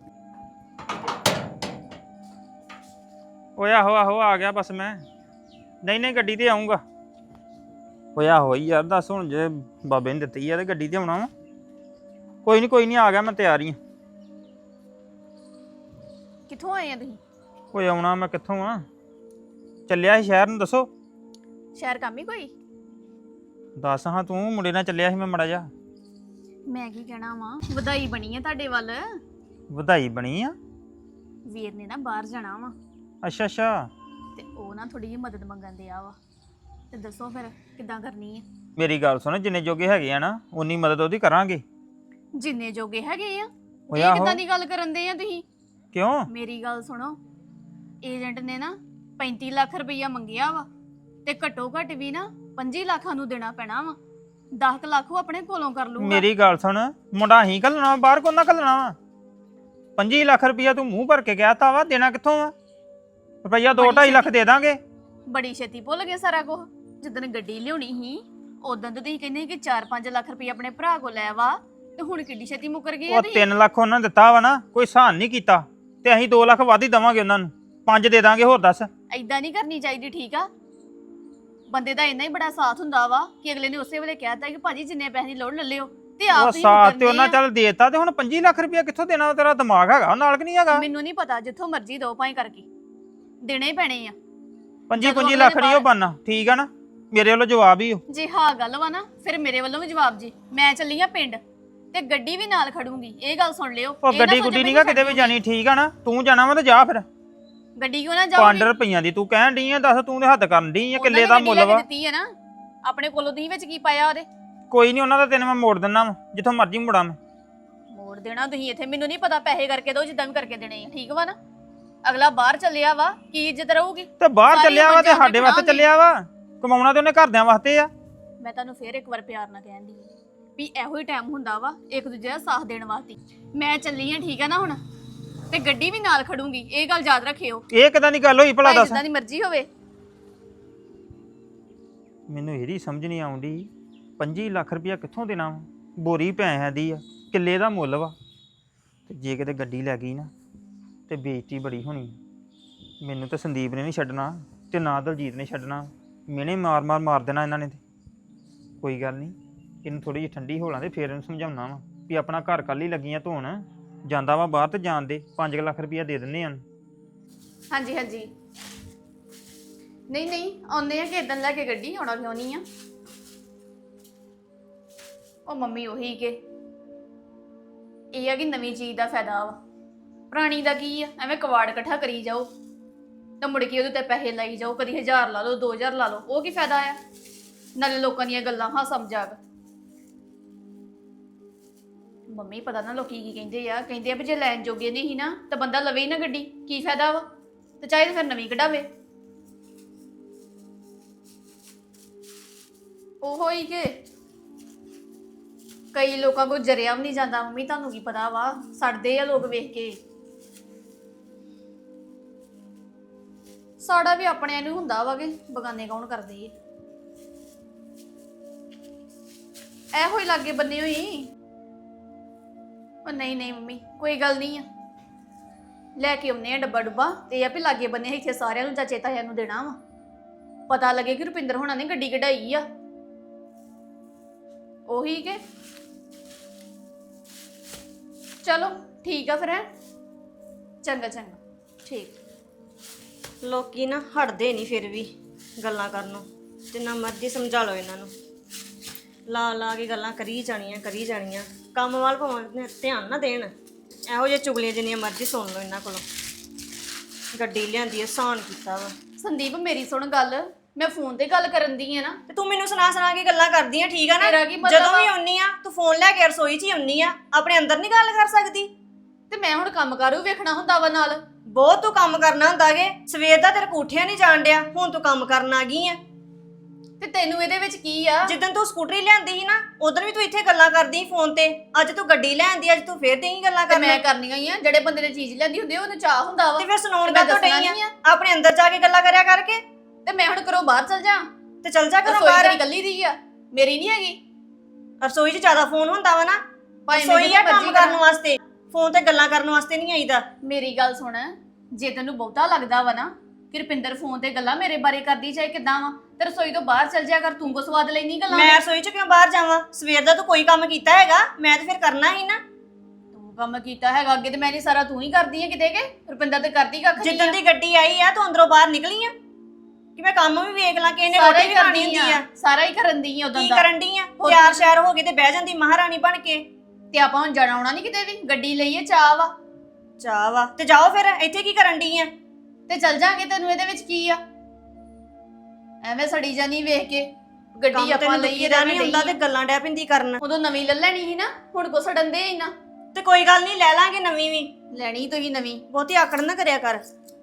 E: ਓਏ ਆਹੋ ਆ ਗਿਆ ਬਸ ਮੈਂ। ਨਹੀਂ ਗੱਡੀ ਤੇ ਆਉਂਗਾ। ਓਏ ਆਹੋ ਯਾਰ ਦੱਸ, ਹੁਣ ਜੇ ਬਾਬੇ ਨੇ ਦਿੱਤੀ ਆ ਤੇ ਗੱਡੀ ਤੇ ਆਉਣਾ ਵਾ। ਕੋਈ ਨਹੀਂ ਆ ਗਿਆ, ਮੈਂ ਤਿਆਰ ਹੀ ਆ।
D: ਕਿੱਥੋਂ ਆਏ ਆ ਤੁਸੀਂ?
E: ਓਏ ਆਉਣਾ ਮੈਂ ਕਿੱਥੋਂ ਆ, ਚੱਲਿਆ ਸੀ ਸ਼ਹਿਰ ਨੂੰ। ਦੱਸੋ
D: ਸ਼ਹਿਰ ਕੰਮ ਹੀ ਕੋਈ?
E: ਦੱਸ ਹਾਂ, ਤੂੰ ਮੁੰਡੇ ਨਾਲ ਚੱਲਿਆ ਸੀ ਮੈਂ ਮੜਾ ਜਾ।
D: ਮੈਂ ਕੀ ਕਹਿਣਾ ਵਾ, ਵਧਾਈ ਬਣੀ ਆ ਤੁਹਾਡੇ ਵੱਲ।
E: ਵਧਾਈ ਬਣੀ ਆ?
D: ਵੀਰ ਨੇ ਨਾ ਬਾਹਰ ਜਾਣਾ ਵਾ,
E: ਅੱਛਾ
D: ਤੇ ਉਹ ਨਾ ਥੋੜੀ ਜਿਹੀ ਮਦਦ ਮੰਗਣ ਦਿਆ ਵਾ। ਤੇ ਦੱਸੋ ਫਿਰ ਕਿੱਦਾਂ ਕਰਨੀ ਹੈ?
E: ਮੇਰੀ ਗੱਲ ਸੁਣ, ਜਿੰਨੇ ਜੋਗੇ ਹੈਗੇ ਆ ਨਾ ਉਨੀ ਮਦਦ ਉਹਦੀ ਕਰਾਂਗੇ।
D: ਜਿੰਨੇ ਜੋਗੇ ਹੈਗੇ ਆ।
E: ਓਏ
D: ਇਹ
E: ਆਹੋ।
D: ਕਿੱਦਾਂ ਦੀ ਗੱਲ ਕਰਨ ਦੇ ਆ ਤੁਸੀਂ?
E: ਕਿਉਂ?
D: ਮੇਰੀ ਗੱਲ ਸੁਣੋ, ਏਜੰਟ ਨੇ ਨਾ 35 ਲੱਖ ਰੁਪਈਆ ਮੰਗਿਆ ਵਾ, ਤੇ ਘੱਟੋ ਘੱਟ ਵੀ ਨਾ 25 ਲੱਖਾਂ ਨੂੰ ਦੇਣਾ ਪੈਣਾ ਵਾ। 10 ਲੱਖ ਉਹ ਆਪਣੇ ਕੋਲੋਂ ਕਰ ਲੂਗਾ।
E: ਮੇਰੀ ਗੱਲ ਸੁਣ, ਮੁੰਡਾ ਹੀ ਘੱਲਣਾ ਬਾਹਰ, ਕੋਨਾ ਘੱਲਣਾ ਵਾ। 25 ਲੱਖ ਰੁਪਈਆ ਤੂੰ ਮੂੰਹ ਭਰ ਕੇ ਕਹਿਤਾ ਵਾ, ਦੇਣਾ ਕਿੱਥੋਂ ਵਾ? ਰੁਪਈਆ 2-2.5 ਲੱਖ ਦੇ ਦਾਂਗੇ।
D: ਬੜੀ ਛੇਤੀ ਭੁੱਲ ਗਏ ਸਾਰਾ ਕੁਝ। ਜਿੱਦਣ ਗੱਡੀ ਲਿਆਉਣੀ ਸੀ ਉਦੋਂ ਤਾਂ ਤੁਸੀਂ ਕਹਿੰਦੇ ਸੀ ਕਿ 4-5 ਲੱਖ ਰੁਪਈਆ ਆਪਣੇ ਭਰਾ ਕੋਲ ਲੈ ਵਾ, ਤੇ ਹੁਣ ਕਿੱਡੀ ਛੇਤੀ ਮੁੱਕਰ ਗਏ ਆ
E: ਉਹ
D: ਤੁਸੀਂ।
E: 3 ਲੱਖ ਉਹਨਾਂ ਦਿੱਤਾ ਵਾ ਨਾ, ਕੋਈ ਸਹਾਨ ਨਹੀਂ ਕੀਤਾ। ਤੇ ਅਸੀਂ 2 ਲੱਖ ਵੱਧ ਹੀ ਦਵਾਂਗੇ ਉਹਨਾਂ ਨੂੰ 5 ਦੇ ਦਾਂਗੇ ਹੋਰ ਦੱਸ।
D: ਐਦਾਂ ਨਹੀਂ ਕਰਨੀ ਚਾਹੀਦੀ, ਠੀਕ ਆ? ਬੰਦੇ ਦਾ ਇੰਨਾ ਹੀ ਬੜਾ ਸਾਥ ਹੁੰਦਾ ਵਾ ਕਿ ਅਗਲੇ ਨੇ ਉਸੇ ਵੇਲੇ ਕਹਿਤਾ ਕਿ ਭਾਜੀ ਜਿੰਨੇ ਪੈਸੇ ਦੀ ਲੋੜ ਲੈ ਲਿਓ, ਤੇ ਆਪ
E: ਉਹ
D: ਤੁਸੀਂ
E: ਸਾਥ ਤੇ
D: ਮੁਕਰਨੇ
E: ਉਹਨਾਂ
D: ਆ।
E: ਚੱਲ ਦੇਤਾ ਤੇ ਹੁਣ 25 ਲੱਖ ਰੁਪਇਆ ਕਿੱਥੋਂ ਦੇਣਾ? ਤੇਰਾ ਦਿਮਾਗ ਹੈਗਾ ਨਾਲ ਕਿ ਨਹੀਂ ਹੈਗਾ?
D: ਮੈਨੂੰ ਨਹੀਂ ਪਤਾ, ਜਿੱਥੋਂ ਮਰਜ਼ੀ ਦੋ ਭਾਈ ਕਰਕੇ ਦੇਣੇ ਹੀ ਪੈਣੇ ਆ।
E: 25 ਲੱਖ ਨਹੀਂ ਉਹ ਬਣਨਾ, ਠੀਕ ਆ ਨਾ? ਮੇਰੇ ਵੱਲੋਂ ਜਵਾਬ ਹੀ
D: ਜੇ ਹਾਂ ਗੱਲ ਵਾ ਨਾ, ਫਿਰ ਮੇਰੇ ਵੱਲੋਂ ਵੀ ਜਵਾਬ ਜੀ। ਮੈਂ ਚੱਲੀ ਆ ਪਿੰਡ ਤੇ ਗੱਡੀ ਵੀ ਨਾਲ ਖੜੂੰਗੀ, ਇਹ ਗੱਲ ਸੁਣ ਲਿਓ।
E: ਉਹ
D: ਇਹ ਨਾ
E: ਗੱਡੀ
D: ਸੋਚੋ
E: ਗੁੱਡੀ
D: ਵੀ
E: ਨਹੀਂਗਾ ਕਿਤੇ ਵੀ
D: ਛੱਡ
E: ਜਾਣੀ, ਠੀਕ ਆ ਨਾ? ਤੂੰ ਜਾਣਾ ਵਾ ਤਾਂ ਜਾ ਫਿਰ।
D: ਗੱਡੀ ਕਿਉਂ ਨਾ
E: 5
D: ਜਾਊਗੀ?
E: ਰੁਪਈਆਂ ਦੀ ਤੂੰ ਕਹਿਣ ਡਈ ਆ, ਦੱਸ ਤੂੰ ਤੇ ਹੱਦ ਕਰਨ ਡਈ ਆ, ਕਿੱਲੇ ਦਾ ਮੁੱਲ ਵਾ।
D: ਦਿੱਤੀ ਹੈ ਨਾ ਆਪਣੇ ਕੋਲੋਂ, ਤੁਸੀਂ ਵਿੱਚ ਕੀ ਪਾਇਆ ਉਹਦੇ?
E: ਕੋਈ ਨਹੀਂ, ਉਹਨਾਂ ਦਾ ਤੈਨੂੰ ਮੈਂ ਮੋੜ ਦਿੰਦਾ ਵਾ, ਜਿੱਥੋਂ ਮਰਜ਼ੀ ਮੋੜਾਂ ਮੈਂ।
D: ਮੋੜ ਦੇਣਾ ਤੁਸੀਂ ਇੱਥੇ? ਮੈਨੂੰ ਨਹੀਂ ਪਤਾ, ਪੈਸੇ ਕਰਕੇ ਦੋ ਜਿੱਦਾਂ ਵੀ ਕਰਕੇ ਦੇਣੇ ਆ, ਠੀਕ ਵਾ ਨਾ? ਅਗਲਾ ਬਾਹਰ ਚੱਲਿਆ ਵਾ, ਕੀ ਇੱਜ਼ਤ ਰਹੂਗੀ?
E: ਤੇ ਬਾਹਰ
D: ਸਾਰੀ
E: ਚੱਲਿਆ ਵਾ ਤੇ
D: ਉਮਰ
E: ਸਾਡੇ ਵਾਸਤੇ
D: ਜਾਵਾਂਗੇ।
E: ਚੱਲਿਆ ਵਾ, ਕਮਾਉਣਾ ਤੇ ਉਹਨੇ ਘਰਦਿਆਂ ਵਾਸਤੇ ਆ।
D: ਮੈਂ ਤੁਹਾਨੂੰ ਫੇਰ ਇੱਕ ਵਾਰ ਪਿਆਰ ਨਾਲ ਕਹਿਣ ਦੀ ਵੀ ਇਹੋ ਹੀ ਟਾਈਮ ਹੁੰਦਾ ਵਾ ਇੱਕ ਦੂਜੇ ਦਾ ਸਾਥ ਦੇਣ ਵਾਸਤੇ। ਮੈਂ ਚੱਲੀ ਆ, ਠੀਕ ਆ ਨਾ? ਹੁਣ ਤੇ ਗੱਡੀ ਵੀ ਨਾਲ ਖੜੂੰਗੀ, ਇਹ ਗੱਲ ਯਾਦ ਰੱਖਿਓ।
E: ਇਹ ਕਿਦਾਂ ਦੀ ਗੱਲ ਹੋਈ ਭਲਾ
D: ਭਾਵੇਂ
E: ਦੱਸ?
D: ਜਿੱਦਾਂ ਦੀ ਮਰਜ਼ੀ ਹੋਵੇ।
E: ਮੈਨੂੰ ਇਹਦੀ ਸਮਝ ਨਹੀਂ ਆਉਂਦੀ, 25 ਲੱਖ ਰੁਪਇਆ ਕਿੱਥੋਂ ਦੇਣਾ ਵਾ? ਬੋਰੀ ਪੈਸਿਆਂ ਦੀ ਆ, ਕਿੱਲੇ ਦਾ ਮੁੱਲ ਵਾ, ਤੇ ਜੇ ਕਿਤੇ ਗੱਡੀ ਲੈ ਗਈ ਨਾ ਤੇ ਬੇਇੱਜ਼ਤੀ ਬੜੀ ਹੋਣੀ। ਮੈਨੂੰ ਤਾਂ ਸੰਦੀਪ ਨੇ ਨਹੀਂ ਛੱਡਣਾ ਤੇ ਨਾ ਦਲਜੀਤ ਨੇ ਛੱਡਣਾ, ਮੈਨੇ ਮਾਰ ਦੇਣਾ ਇਹਨਾਂ ਨੇ। ਤੇ ਕੋਈ ਗੱਲ ਨਹੀਂ, ਇਹਨੂੰ ਥੋੜੀ ਜਿਹੀ ਠੰਡੀ ਹੋ ਲਾਂ ਤੇ ਫੇਰ ਇਹਨੂੰ ਸਮਝਾਉਣਾ ਵਾ ਵੀ ਆਪਣਾ ਘਰ ਕੱਲ ਹੀ ਲੱਗੀਆਂ ਧੋਣ, ਜਾਂਦਾ ਵਾ ਬਾਹਰ ਤੇ ਜਾਣ ਦੇ, 5 ਲੱਖ ਰੁਪਇਆ ਦੇ ਦਿੰਦੇ ਆ।
D: ਹਾਂਜੀ ਹਾਂਜੀ, ਨਹੀਂ ਆਉਂਦੇ ਆ ਕਿ ਇਦਾਂ ਲੈ ਕੇ ਗੱਡੀ, ਆਉਣਾ ਕਿਉਂ ਨਹੀਂ ਆ? ਉਹ ਮੰਮੀ ਉਹੀ ਕਿ ਇਹ ਆ ਕਿ ਨਵੀਂ ਚੀਜ਼ ਦਾ ਫਾਇਦਾ ਵਾ, ਪੁਰਾਣੀ ਦਾ ਕੀ ਆ? ਐਵੇਂ ਕਵਾੜ ਇਕੱਠਾ ਕਰੀ ਜਾਓ ਤਾਂ ਮੁੜ ਕੇ ਉਹਦੇ ਤੇ ਪੈਸੇ ਲਾਈ ਜਾਓ, ਕਦੀ 1000 ਲਾ ਲਓ 2000 ਲਾ ਲਓ, ਉਹ ਕੀ ਫਾਇਦਾ ਆ? ਨਾਲੇ ਲੋਕਾਂ ਦੀਆਂ ਗੱਲਾਂ ਹਾਂ ਸਮਝਾਗ। ਮੰਮੀ ਪਤਾ ਨਾ ਲੋਕੀ ਕੀ ਕਹਿੰਦੇ ਆ ਵੀ ਜੇ ਲੈਣ ਜੋਗੇ ਨਹੀਂ ਸੀ ਨਾ ਤਾਂ ਬੰਦਾ ਲਵੇ ਹੀ ਨਾ ਗੱਡੀ, ਕੀ ਫਾਇਦਾ ਵਾ? ਤੇ ਚਾਹੇ ਤਾਂ ਫਿਰ ਨਵੀਂ ਕਢਾਵੇ। ਉਹੋ ਹੀ ਕਿ ਕਈ ਲੋਕਾਂ ਕੋਲ ਜਰਿਆ ਵੀ ਨਹੀਂ ਜਾਂਦਾ। ਮੰਮੀ ਤੁਹਾਨੂੰ ਕੀ ਪਤਾ ਵਾ, ਸੜਦੇ ਆ ਲੋਕ ਵੇਖ ਕੇ। ਸਾੜਾ ਵੀ ਆਪਣਿਆਂ ਨੂੰ ਹੁੰਦਾ ਵਾ ਕਿ ਬਗਾਨੇ ਕੌਣ ਕਰਦੇ ਆ। ਇਹੋ ਹੀ ਲਾਗੇ ਬੰਨੇ ਹੋਈ। ਉਹ ਨਹੀਂ ਮੰਮੀ, ਕੋਈ ਗੱਲ ਨਹੀਂ ਆ, ਲੈ ਕੇ ਆਉਨੇ ਆ ਡੱਬਾ ਡੁੱਬਾ, ਤੇ ਇਹ ਆ ਵੀ ਲਾਗੇ ਬੰਨੇ ਇੱਥੇ ਸਾਰਿਆਂ ਨੂੰ ਚਾਚੇ ਤਾਇਆਂ ਨੂੰ ਦੇਣਾ ਵਾ, ਪਤਾ ਲੱਗੇ ਕਿ ਰੁਪਿੰਦਰ ਹੋਣਾ ਨੇ ਗੱਡੀ ਕਢਾਈ ਆ। ਉਹੀ ਕਿ ਚਲੋ ਠੀਕ ਆ ਫਿਰ, ਹੈ ਚੰਗਾ ਠੀਕ।
B: ਲੋਕੀ ਨਾ ਹਟਦੇ ਨਹੀਂ ਫਿਰ ਵੀ ਗੱਲਾਂ ਕਰਨੋਂ, ਜਿੰਨਾ ਮਰਜ਼ੀ ਸਮਝਾ ਲਓ ਇਹਨਾਂ ਨੂੰ, ਲਾ ਕੇ ਗੱਲਾਂ ਕਰੀ ਜਾਣੀਆਂ। ਕੰਮ ਵੱਲ ਭਾਵੇਂ ਧਿਆਨ ਨਾ ਦੇਣ, ਇਹੋ ਜਿਹੇ ਚੁਗਲੀਆਂ ਜਿੰਨੀਆਂ ਮਰਜ਼ੀ ਸੁਣ ਲਓ ਇਹਨਾਂ ਕੋਲੋਂ। ਗੱਡੀ ਲਿਆਂਦੀ ਆਸਾਨ ਕੀਤਾ ਵਾ।
D: ਸੰਦੀਪ ਮੇਰੀ ਸੁਣ ਗੱਲ, ਮੈਂ ਫੋਨ ਤੇ ਗੱਲ ਕਰਨ ਦੀ ਆ ਨਾ,
B: ਤੇ ਤੂੰ ਮੈਨੂੰ ਸੁਣਾ ਕੇ ਗੱਲਾਂ ਕਰਦੀ ਆ, ਠੀਕ ਆ ਨਾ?
D: ਤੇਰਾ ਕੀ ਮਤਲਬ
B: ਜਦੋਂ ਵੀ
D: ਆ?
B: ਆਉਣੀ ਆ ਤੂੰ ਫੋਨ ਲੈ ਕੇ ਰਸੋਈ 'ਚ ਹੀ ਆਉਣੀ ਆ, ਆਪਣੇ ਅੰਦਰ ਨਹੀਂ ਗੱਲ ਕਰ ਸਕਦੀ?
D: ਤੇ ਮੈਂ ਹੁਣ ਕੰਮ ਕਰੂ ਵੇਖਣਾ ਹੁੰਦਾ ਵਾ ਨਾਲ।
B: ਬਹੁਤ ਤੂੰ ਕੰਮ ਕਰਨਾ ਹੁੰਦਾਗੇ, ਸਵੇਰ ਦਾ ਤੇਰੇ ਕੋਠਿਆਂ ਨਹੀਂ ਜਾਣ ਡਿਆ, ਹੁਣ ਤੂੰ ਕੰਮ ਕਰਨ ਆ ਗਈ ਆ।
D: ਤੇ ਤੈਨੂੰ ਇਹਦੇ ਵਿੱਚ ਕੀ ਆ?
B: ਜਿੱਦਣ ਤੂੰ ਸਕੂਟਰੀ ਲਿਆਂਦੀ ਸੀ ਨਾ, ਉਦੋਂ ਵੀ ਤੂੰ ਇੱਥੇ ਗੱਲਾਂ ਕਰਦੀ ਸੀ ਫੋਨ ਤੇ, ਅੱਜ ਤੂੰ ਗੱਡੀ ਲਿਆਂਦੀ, ਅੱਜ ਤੂੰ ਫੇਰ ਦੇਈ ਗੱਲਾਂ
D: ਤੇ
B: ਕਰਨਾ।
D: ਮੈਂ ਕਰਨੀਆਂ ਹੀ ਆ, ਜਿਹੜੇ ਬੰਦੇ ਨੇ ਚੀਜ਼ ਲੈਂਦੀ ਹੁੰਦੀ ਉਹਨੂੰ ਚਾਹ ਹੁੰਦਾ ਵਾ।
B: ਤੇ ਫਿਰ ਸੁਣਾਉਣ
D: ਤੇ
B: ਦਾ
D: ਮੈਂ
B: ਤੋਂ
D: ਦੱਸਣਾ
B: ਡਈ
D: ਨਹੀਂ
B: ਆ,
D: ਆ।
B: ਆਪਣੇ ਅੰਦਰ ਜਾ ਕੇ ਗੱਲਾਂ ਕਰਿਆ ਕਰਕੇ।
D: ਤੇ ਮੈਂ ਹੁਣ ਘਰੋਂ ਬਾਹਰ ਚਲ ਜਾ,
B: ਤੇ ਚੱਲ ਜਾ ਘਰੋਂ
D: ਰਸੋਈ
B: ਬਾਹਰ।
D: ਤੇਰੀ ਕੱਲੀ ਦੀ ਆ, ਮੇਰੀ ਨਹੀਂ ਹੈਗੀ।
B: ਰਸੋਈ 'ਚ ਜ਼ਿਆਦਾ ਫੋਨ ਹੁੰਦਾ ਵਾ ਨਾ,
D: ਭਾਵੇਂ
B: ਰਸੋਈ ਆ
D: ਮੈਂ
B: ਕੰਮ ਕਰਨ ਵਾਸਤੇ, ਫੋਨ ਤੇ ਗੱਲਾਂ ਕਰਨ ਵਾਸਤੇ ਨਹੀਂ ਆਈਦਾ।
D: ਮੇਰੀ ਗੱਲ ਸੁਣ, ਜੇ ਤੈਨੂੰ ਬਹੁਤਾ ਲੱਗਦਾ ਵਾ ਨਾ ਕਿ ਰੁਪਿੰਦਰ ਫੋਨ ਤੇ ਗੱਲਾਂ ਮੇਰੇ ਬਾਰੇ ਕਰਦੀ, ਚਾਹੇ ਕਿਦਾਂ ਵਾ, ਤੇ ਰਸੋਈ ਤੋਂ ਬਾਹਰ ਚਲ ਜਾ ਕਰ, ਤੂੰ ਕੋ ਸਵਾਦ ਲੈਣੀ ਗੱਲਾਂ।
B: ਮੈਂ ਰਸੋਈ 'ਚ ਕਿਉਂ ਬਾਹਰ ਜਾਵਾਂ? ਸਵੇਰ ਦਾ ਤੂੰ ਕੋਈ ਕੰਮ ਕੀਤਾ ਹੈਗਾ? ਮੈਂ ਤੇ ਫਿਰ ਕਰਨਾ ਹੀ ਨਾ।
D: ਤੂੰ ਕੰਮ ਕੀਤਾ ਹੈਗਾ ਅੱਗੇ, ਤੇ ਮੈਂ ਨਹੀਂ ਸਾਰਾ ਤੂੰ ਹੀ ਕਰਦੀ ਹੈ ਕਿਤੇ, ਕਿ ਰੁਪਿੰਦਰ ਤੇ ਕਰਦੀ ਕੱਖ ਨਹੀਂ।
B: ਜਿੱਦਣ ਦੀ ਗੱਡੀ ਆਈ ਆ ਤੂੰ ਅੰਦਰੋਂ ਬਾਹਰ ਨਿਕਲੀ ਆ ਕਿ ਮੈਂ ਕੰਮ ਵੀ ਵੇਖ ਲਾਂ ਕਿ ਇਹਨੇ
D: ਸਾਰਾ
B: ਰੋਟੀ
D: ਹੀ
B: ਵੀ ਖਾਣੀ
D: ਕਰਦੀ
B: ਹੁੰਦੀ ਆ।
D: ਸਾਰਾ ਹੀ ਕਰਨ ਦੀ ਆ ਉਦੋਂ
B: ਕੀ
D: ਦਾ।
B: ਕਰਨ ਡਈ ਆ? ਤਿਆਰ ਸ਼ਿਆਰ ਹੋ ਕੇ ਤੇ ਬਹਿ ਜਾਂਦੀ ਮਹਾਰਾਣੀ ਬਣ ਕੇ।
D: ਤੇ ਆਪਾਂ ਹੁਣ ਜਾਣਾ ਆਉਣਾ ਨਹੀਂ ਕਿਤੇ ਵੀ, ਗੱਡੀ ਲਈਏ, ਚਾਹ ਵਾ
B: ਚਾਹ ਵਾ ਤੇ ਜਾਓ ਫਿਰ, ਇੱਥੇ ਕੀ ਕਰਨ ਡਈ ਆ?
D: ਤੇ ਚੱਲ ਜਾਗੇ, ਤੈਨੂੰ ਇਹਦੇ ਵਿੱਚ ਕੀ ਆ? ਐਵੇਂ ਸੜੀ ਜਾਨੀ ਵੇਖ ਕੇ, ਗੱਡੀ
B: ਕੰਮ
D: ਆਪਾਂ
B: ਤੈਨੂੰ
D: ਲਈਏ
B: ਦਾ
D: ਤਾਂ
B: ਨਹੀਂ ਹੁੰਦਾ ਤੇ ਗੱਲਾਂ ਡੈ ਪਿੰਦੀ ਕਰਨ।
D: ਉਦੋਂ ਨਵੀਂ ਲੈ ਲੈਣੀ ਸੀ ਨਾ, ਹੁਣ ਕੋ ਸੜਨ ਦੇ ਹੀ ਨਾ।
B: ਤੇ ਕੋਈ ਗੱਲ ਨਹੀਂ, ਲੈ ਲਾਂਗੇ ਨਵੀਂ ਵੀ।
D: ਲੈਣੀ ਤੁਸੀਂ ਨਵੀਂ,
B: ਬਹੁਤੀ ਆਕੜ ਨਾ ਕਰਿਆ ਕਰ।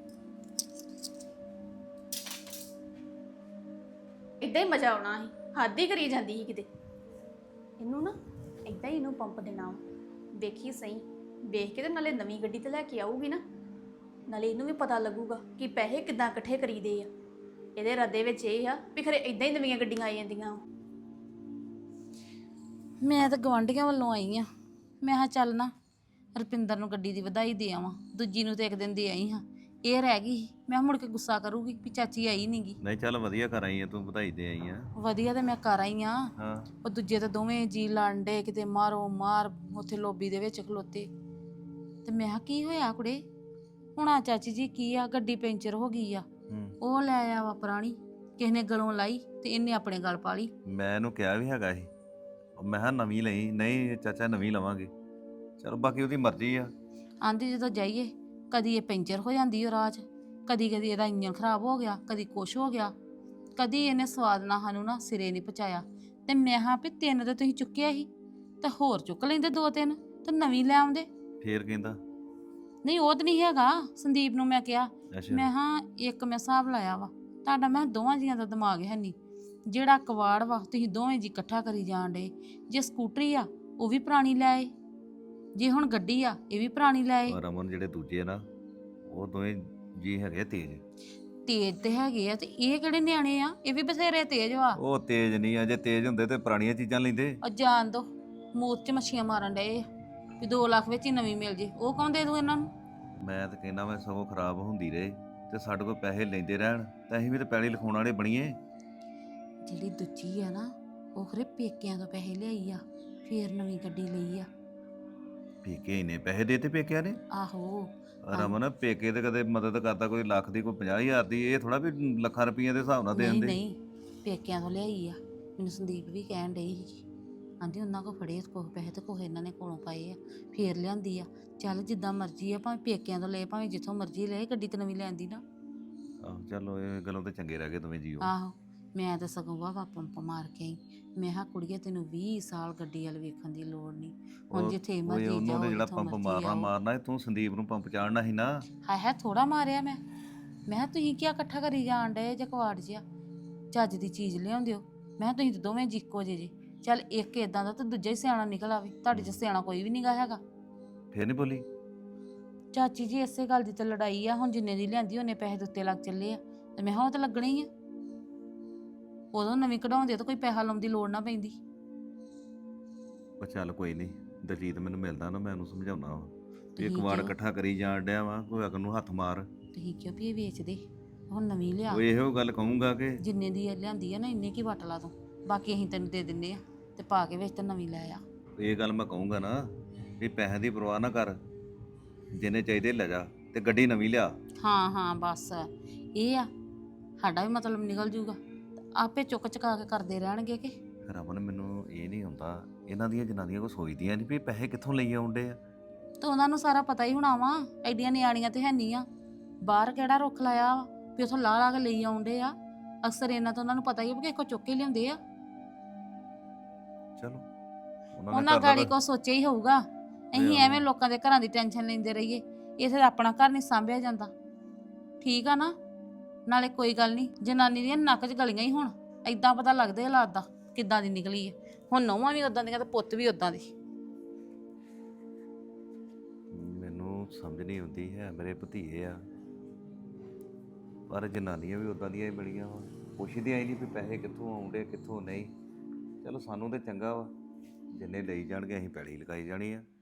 D: ਇਦਾਂ ਹੀ ਮਜ਼ਾ ਆਉਣਾ ਸੀ, ਹੱਦ ਹੀ ਕਰੀ ਜਾਂਦੀ ਸੀ ਕਿਤੇ। ਇਹਨੂੰ ਨਾ ਇਦਾਂ ਹੀ ਇਹਨੂੰ ਪੰਪ ਦੇਣਾ ਵਾ, ਵੇਖੀ ਸਹੀ, ਵੇਖ ਕੇ ਤੇ ਨਾਲੇ ਨਵੀਂ ਗੱਡੀ ਤੇ ਲੈ ਕੇ ਆਊਗੀ ਨਾ, ਨਾਲੇ ਇਹਨੂੰ ਵੀ ਪਤਾ ਲੱਗੂਗਾ ਕਿ ਪੈਸੇ ਕਿੱਦਾਂ ਇਕੱਠੇ ਕਰੀਦੇ ਆ। ਇਹਦੇ ਰੱਦੇ ਵਿੱਚ ਇਹ ਆ ਵੀ ਖਰੇ ਇਦਾਂ ਹੀ ਨਵੀਆਂ ਗੱਡੀਆਂ ਆਈ ਜਾਂਦੀਆਂ।
C: ਮੈਂ ਤਾਂ ਗਵਾਂਢੀਆਂ ਵੱਲੋਂ ਆਈ ਆ, ਮੈਂ ਕਿਹਾ ਚੱਲ ਨਾ ਰੁਪਿੰਦਰ ਨੂੰ ਗੱਡੀ ਦੀ ਵਧਾਈ ਦੇ ਆਵਾਂ, ਦੂਜੀ ਨੂੰ ਤੇ ਇੱਕ ਦਿਨ ਦੇ ਆਈ ਹਾਂ। ਇਹ ਰਹਿ ਗਈ ਸੀ। ਮੈਂ ਕਿਹਾ ਮੁੜ ਕੇ ਗੁੱਸਾ ਕਰੂਗੀ ਵੀ ਚਾਚੀ ਆਈ ਨਹੀਂਗੀ।
F: ਨਹੀਂ ਚੱਲ ਵਧੀਆ ਕਰ ਆਈ ਆ ਤੂੰ, ਵਧਾਈ ਦੇ ਆਈ ਆ।
C: ਵਧੀਆ ਤੇ ਮੈਂ ਕਰ ਆਈ ਆ।
F: ਹਾਂ
C: ਉਹ ਦੂਜੇ ਤਾਂ ਦੋਵੇਂ ਜੀ ਲੜਨ ਡੇ, ਕਿਤੇ ਮਾਰੋ ਮਾਰ ਉੱਥੇ ਲੋਬੀ ਦੇ ਵਿੱਚ ਖਲੋਤੇ। ਤੇ ਮੈਂ ਕਿਹਾ ਕੀ ਹੋਇਆ ਕੁੜੇ? ਹੁਣ ਆ ਚਾਚੀ ਜੀ ਕੀ ਆ, ਗੱਡੀ ਪੈਂਚਰ ਹੋ ਗਈ ਆ।
F: ਹੂੰ।
C: ਉਹ ਲੈ ਆਇਆ ਵਾ ਪੁਰਾਣੀ, ਕਿਸੇ ਨੇ ਗਲੋਂ ਲਾਈ ਤੇ ਇਹਨੇ ਆਪਣੇ ਗਲ ਪਾ ਲਈ।
F: ਮੈਂ ਇਹਨੂੰ ਕਿਹਾ ਵੀ ਹੈਗਾ ਸੀ, ਮੈਂ ਕਿਹਾ ਨਵੀਂ ਲਈ। ਨਹੀਂ ਚਾਚਾ ਨਵੀਂ ਲਵਾਂਗੇ। ਚਲ ਬਾਕੀ ਉਹਦੀ ਮਰਜ਼ੀ ਆ।
C: ਆਂਦੀ ਜਦੋਂ ਜਾਈਏ ਕਦੀ ਇਹ ਪੈਂਚਰ ਹੋ ਜਾਂਦੀ ਉਹ ਰਾਹ 'ਚ, ਕਦੀ ਕਦੀ ਇਹਦਾ ਇੰਜਨ ਖਰਾਬ ਹੋ ਗਿਆ, ਕਦੀ ਕੁਛ ਹੋ ਗਿਆ, ਕਦੀ ਇਹਨੇ ਸਵਾਦ ਨਾਲ ਸਾਨੂੰ ਨਾ ਸਿਰੇ ਨਹੀਂ ਪਹੁੰਚਾਇਆ। ਤੇ ਮੈਂ ਹਾਂ ਵੀ 3 ਤੇ ਤੁਸੀਂ ਚੁੱਕਿਆ ਸੀ ਤੇ ਹੋਰ ਚੁੱਕ ਲੈਂਦੇ 2-3 ਤੇ ਨਵੀਂ ਲੈ ਆਉਂਦੇ।
F: ਫੇਰ ਕਹਿੰਦਾ
C: ਨਹੀਂ ਉਹ ਤਾਂ ਨਹੀਂ ਹੈਗਾ। ਸੰਦੀਪ ਨੂੰ ਮੈਂ ਕਿਹਾ,
F: ਅੱਛਾ
C: ਮੈਂ ਹਾਂ ਇੱਕ ਮੈਂ ਹਿਸਾਬ ਲਾਇਆ ਵਾ ਤੁਹਾਡਾ, ਮੈਂ ਦੋਵਾਂ ਜੀਆਂ ਦਾ ਦਿਮਾਗ ਹੈ ਨਹੀਂ। ਜਿਹੜਾ ਕਵਾੜ ਵਾ ਤੁਸੀਂ ਦੋਵੇਂ ਜੀ ਇਕੱਠਾ ਕਰੀ ਜਾਣ ਡੇ। ਜੇ ਸਕੂਟਰੀ ਆ ਉਹ ਵੀ ਪੁਰਾਣੀ ਲੈ ਆਏ, ਜੇ ਹੁਣ ਗੱਡੀ ਆ ਇਹ ਵੀ ਪੁਰਾਣੀ ਲੈ ਆਏ।
F: ਔਰ ਰਮਨ ਜਿਹੜੇ ਦੂਜੇ ਆ ਨਾ ਉਹ ਦੋਵੇਂ ਜੀ ਹੈਗੇ ਤੇਜ਼।
C: ਤੇਜ਼ ਤੇ ਹੈਗੇ ਆ ਤੇ ਇਹ ਕਿਹੜੇ ਨਿਆਣੇ ਆ, ਇਹ ਵੀ ਬਥੇਰੇ ਤੇਜ਼ ਵਾ।
F: ਉਹ ਤੇਜ਼ ਨਹੀਂ ਆ, ਜੇ ਤੇਜ਼ ਹੁੰਦੇ ਤੇ ਪੁਰਾਣੀਆਂ ਚੀਜ਼ਾਂ ਲੈਂਦੇ।
C: ਉਹ ਜਾਣ ਦੋ, ਮੂਤ 'ਚ ਮੱਛੀਆਂ ਮਾਰਨ ਡਏ ਆ ਵੀ 2 ਲੱਖ ਵਿੱਚ ਹੀ ਨਵੀਂ ਮਿਲ ਜੇ। ਉਹ ਕੌਣ ਦੇ ਦੂ ਇਹਨਾਂ ਨੂੰ?
F: ਮੈਂ ਤਾਂ ਕਹਿੰਦਾ ਮੈਂ ਸਗੋਂ ਖਰਾਬ ਹੁੰਦੀ ਰਹੇ ਤੇ ਸਾਡੇ ਕੋਲ ਪੈਸੇ ਲੈਂਦੇ ਰਹਿਣ ਤਾਂ ਅਸੀਂ ਵੀ ਤਾਂ ਪੈਲੀ ਲਿਖਾਉਣ ਵਾਲੇ ਬਣੀਏ।
C: ਜਿਹੜੀ ਦੂਜੀ ਆ ਨਾ ਉਹ ਖਰੇ ਪੇਕਿਆਂ ਤੋਂ ਪੈਸੇ ਲਿਆਈ ਆ, ਫੇਰ ਨਵੀਂ ਗੱਡੀ ਲਈ ਆ।
F: ਪੇਕੇ ਇੰਨੇ ਪੈਸੇ ਦੇਤੇ ਪੇਕਿਆਂ ਨੇ?
C: ਆਹੋ
F: ਰਮਨ ਪੇਕੇ ਤੇ ਕਦੇ ਮਦਦ ਕਰਦਾ ਕੋਈ ਲੱਖ ਦੀ ਕੋਈ 50,000 ਦੀ, ਇਹ ਥੋੜਾ ਵੀ ਲੱਖਾਂ ਰੁਪਈਆ ਦੇ ਹਿਸਾਬ ਨਾਲ
C: ਨਹੀਂ
F: ਦੇਣ ਦੇ।
C: ਨਹੀਂ ਪੇਕਿਆਂ ਤੋਂ ਲਿਆਈ ਆ। ਮੈਨੂੰ ਸੰਦੀਪ ਵੀ ਕਹਿਣ ਡਈ ਸੀ, ਆਂਦੀ ਉਹਨਾਂ ਕੋ ਫੜੇ ਕੋਹ ਪੈਸੇ ਤੇ ਕੋਹ ਇਹਨਾਂ ਨੇ ਕੋਲੋਂ ਪਾਏ ਆ, ਫੇਰ ਲਿਆਂਦੀ ਆ। ਚੱਲ ਜਿੱਦਾਂ ਮਰਜ਼ੀ ਆ, ਭਾਵੇਂ ਪੇਕਿਆਂ ਤੋਂ ਲਏ ਭਾਵੇਂ ਜਿੱਥੋਂ ਮਰਜ਼ੀ ਲਏ, ਗੱਡੀ ਤੇ ਨਵੀਂ ਲੈਂਦੀ ਨਾ।
F: ਆਹੋ ਚਲੋ ਇਹ ਗੱਲੋਂ ਤੇ ਚੰਗੇ ਰਹਿ ਗਏ ਦੋਵੇਂ ਜੀਓ।
C: ਆਹੋ ਮੈਂ ਤਾਂ ਸਗੋਂ ਵਾਹ ਪੰਪ ਮਾਰ ਕੇ ਆਈ। ਮੈਂ ਕਿਹਾ ਕੁੜੀਏ ਤੈਨੂੰ 20 ਸਾਲ ਗੱਡੀ ਵੱਲ ਵੇਖਣ ਦੀ ਲੋੜ ਨਹੀਂ, ਹੁਣ ਜਿੱਥੇ ਮਰਜ਼ੀ
F: ਉਹਨੂੰ
C: ਜਾਓ
F: ਤੇ ਜਿਹੜਾ
C: ਜਿੱਥੋਂ
F: ਪੰਪ
C: ਮਰਜ਼ੀ
F: ਮਾਰਨਾ
C: ਆਓ।
F: ਮਾਰਨਾ ਤੂੰ ਸੰਦੀਪ ਨੂੰ ਪੰਪ ਚਾੜਨਾ ਸੀ ਨਾ।
C: ਹੈ ਥੋੜਾ ਮਾਰਿਆ ਮੈਂ ਕਿਹਾ ਤੁਸੀਂ ਕੀ ਇਕੱਠਾ ਕਰੀ ਜਾਣ ਡਏ ਜੇ ਕਵਾੜ ਜਿਹਾ, ਚੱਜ ਦੀ ਚੀਜ਼ ਲਿਆਉਂਦੇ ਹੋ। ਮੈਂ ਕਿਹਾ ਤੁਸੀਂ ਤਾਂ ਦੋਵੇਂ ਜੀ ਇੱਕੋ ਜਿਹੇ ਜੇ। ਚੱਲ ਇੱਕ ਇਦਾਂ ਦਾ ਤੇ ਦੂਜਾ ਹੀ ਸਿਆਣਾ ਨਿਕਲ ਆਵੇ, ਤੁਹਾਡੇ 'ਚ ਸਿਆਣਾ ਕੋਈ ਵੀ ਨਹੀਂਗਾ ਹੈਗਾ।
F: ਫੇਰ ਨਹੀਂ ਬੋਲੀ?
C: ਚਾਚੀ ਜੀ ਇਸੇ ਗੱਲ ਦੀ ਤਾਂ ਲੜਾਈ ਆ। ਹੁਣ ਜਿੰਨੇ ਦੀ ਲਿਆਂਦੀ ਉਹਨੇ ਪੈਸੇ ਦੇ ਉੱਤੇ ਲੱਗ ਚੱਲੇ ਆ ਤੇ ਮੈਂ ਕਿਹਾ ਉਹ ਤਾਂ ਲੱਗਣੇ ਹੀ ਆ। ਉਦੋਂ ਨਵੀਂ ਕਢਾਉਂਦੇ ਤਾਂ ਕੋਈ ਪੈਸਾ ਲਾਉਣ ਦੀ ਲੋੜ ਨਾ ਪੈਂਦੀ।
F: ਉਹ ਚੱਲ ਕੋਈ ਨਹੀਂ, ਦਲਜੀਤ ਮੈਨੂੰ ਮਿਲਦਾ ਨਾ, ਮੈਂ ਉਹਨੂੰ ਸਮਝਾਉਣਾ ਵਾ ਵੀ ਇੱਕ
C: ਠੀਕ
F: ਵਾਰ
C: ਆ।
F: ਇਕੱਠਾ ਕਰੀ ਜਾਣ ਡਿਆ ਵਾ, ਕੋਈ ਅਗਰ ਨੂੰ ਹੱਥ ਮਾਰ।
C: ਤੁਸੀਂ ਕਿਉਂ ਵੀ ਇਹ ਵੇਚਦੇ, ਹੁਣ ਨਵੀਂ ਲਿਆ।
F: ਉਹ ਇਹੋ ਗੱਲ ਕਹੂੰਗਾ ਕਿ
C: ਜਿੰਨੇ ਦੀ ਇਹ ਲਿਆਂਦੀ ਆ ਨਾ ਇੰਨੇ ਕੀ ਵਟ ਲਾ ਤੂੰ, ਬਾਕੀ ਅਸੀਂ ਤੈਨੂੰ ਦੇ ਦਿੰਨੇ ਆ ਤੇ ਪਾ ਕੇ ਵਿੱਚ ਤੇ ਨਵੀਂ ਲੈ ਆ।
F: ਇਹ ਗੱਲ ਮੈਂ ਕਹੂੰਗਾ ਨਾ ਵੀ ਪੈਸਿਆਂ ਦੀ ਪਰਵਾਹ ਨਾ ਕਰ, ਜਿੰਨੇ ਚਾਹੀਦੇ ਲੈ ਜਾ ਤੇ ਗੱਡੀ ਨਵੀਂ ਲਿਆ।
C: ਹਾਂ ਹਾਂ ਬਸ ਇਹ ਆ, ਸਾਡਾ ਵੀ ਮਤਲਬ ਨਿਕਲ ਜੂਗਾ ਤੇ ਆਪੇ ਚੁੱਕ ਚੁਕਾ ਕੇ ਕਰਦੇ ਰਹਿਣਗੇ ਕਿ।
F: ਰਮਨ ਮੈਨੂੰ ਇਹ ਨਹੀਂ ਹੁੰਦਾ, ਇਹਨਾਂ ਦੀਆਂ ਜਨਾਨੀਆਂ ਕੋ ਸੋਚਦੀਆਂ ਨਹੀਂ ਵੀ ਪੈਸੇ ਕਿੱਥੋਂ ਲਈ ਆਉਂਦੇ ਆ।
C: ਤੇ ਉਹਨਾਂ ਨੂੰ ਸਾਰਾ ਪਤਾ ਹੀ ਹੋਣਾ ਵਾ, ਐਡੀਆਂ ਨਿਆਣੀਆਂ ਤੇ ਹੈਨੀ ਆ। ਬਾਹਰ ਕਿਹੜਾ ਰੁੱਖ ਲਾਇਆ ਵਾ ਵੀ ਉਥੋਂ ਲਾ ਲਾ ਕੇ ਲਈ ਆਉਂਦੇ ਆ। ਅਕਸਰ ਇਹਨਾਂ ਤੋਂ ਉਹਨਾਂ ਨੂੰ ਪਤਾ ਹੀ ਆ ਵੀ ਕਿਸੇ ਕੋ ਚੁੱਕ ਕੇ ਲਿਆਉਂਦੇ ਆ।
F: ਚਲੋ
C: ਉਹਨਾਂ ਗਾੜੀ ਕੋ ਸੋਚਿਆ ਹੀ ਹੋਊਗਾ। ਅਸੀਂ ਐਵੇਂ ਲੋਕਾਂ ਦੇ ਘਰਾਂ ਦੀ ਟੈਨਸ਼ਨ ਲੈਂਦੇ ਰਹੀਏ, ਇਥੇ ਆਪਣਾ ਘਰ ਨਹੀਂ ਸਾਂਭਿਆ ਜਾਂਦਾ। ਠੀਕ ਆ ਨਾ? ਨਾਲੇ ਕੋਈ ਗੱਲ ਨਹੀਂ, ਜਨਾਨੀ ਦੀਆਂ ਨੱਕ 'ਚ ਗਲੀਆਂ ਹੀ ਹੁਣ ਏਦਾਂ ਪਤਾ ਲੱਗਦਾ ਹਾਲਾਤ ਦਾ ਕਿੱਦਾਂ ਦੀ ਨਿਕਲੀ ਹੈ। ਹੁਣ ਨੌਵਾਂ ਵੀ ਉਦਾਂ ਦੀਆਂ ਤੇ ਪੁੱਤ ਵੀ ਉਦਾਂ ਦੀ।
F: ਮੈਨੂੰ ਸਮਝ ਨਹੀਂ ਆਉਂਦੀ ਹੈ, ਮੇਰੇ ਭਤੀਏ ਆ ਪਰ ਜਨਾਨੀਆਂ ਵੀ ਉਦਾਂ ਦੀਆਂ ਹੀ ਬਣੀਆਂ ਵਾ, ਪੁੱਛਦੀਆਂ ਹੀ ਨਹੀਂ ਵੀ ਪੈਸੇ ਕਿੱਥੋਂ ਆਉਂਦੇ ਕਿੱਥੋਂ ਨਹੀਂ। ਚਲੋ ਸਾਨੂੰ ਤੇ ਚੰਗਾ ਵਾ, ਜਿੰਨੇ ਲਈ ਜਾਣਗੇ ਅਸੀਂ ਪੈੜੀ ਲਗਾਈ ਜਾਣੀ ਆ।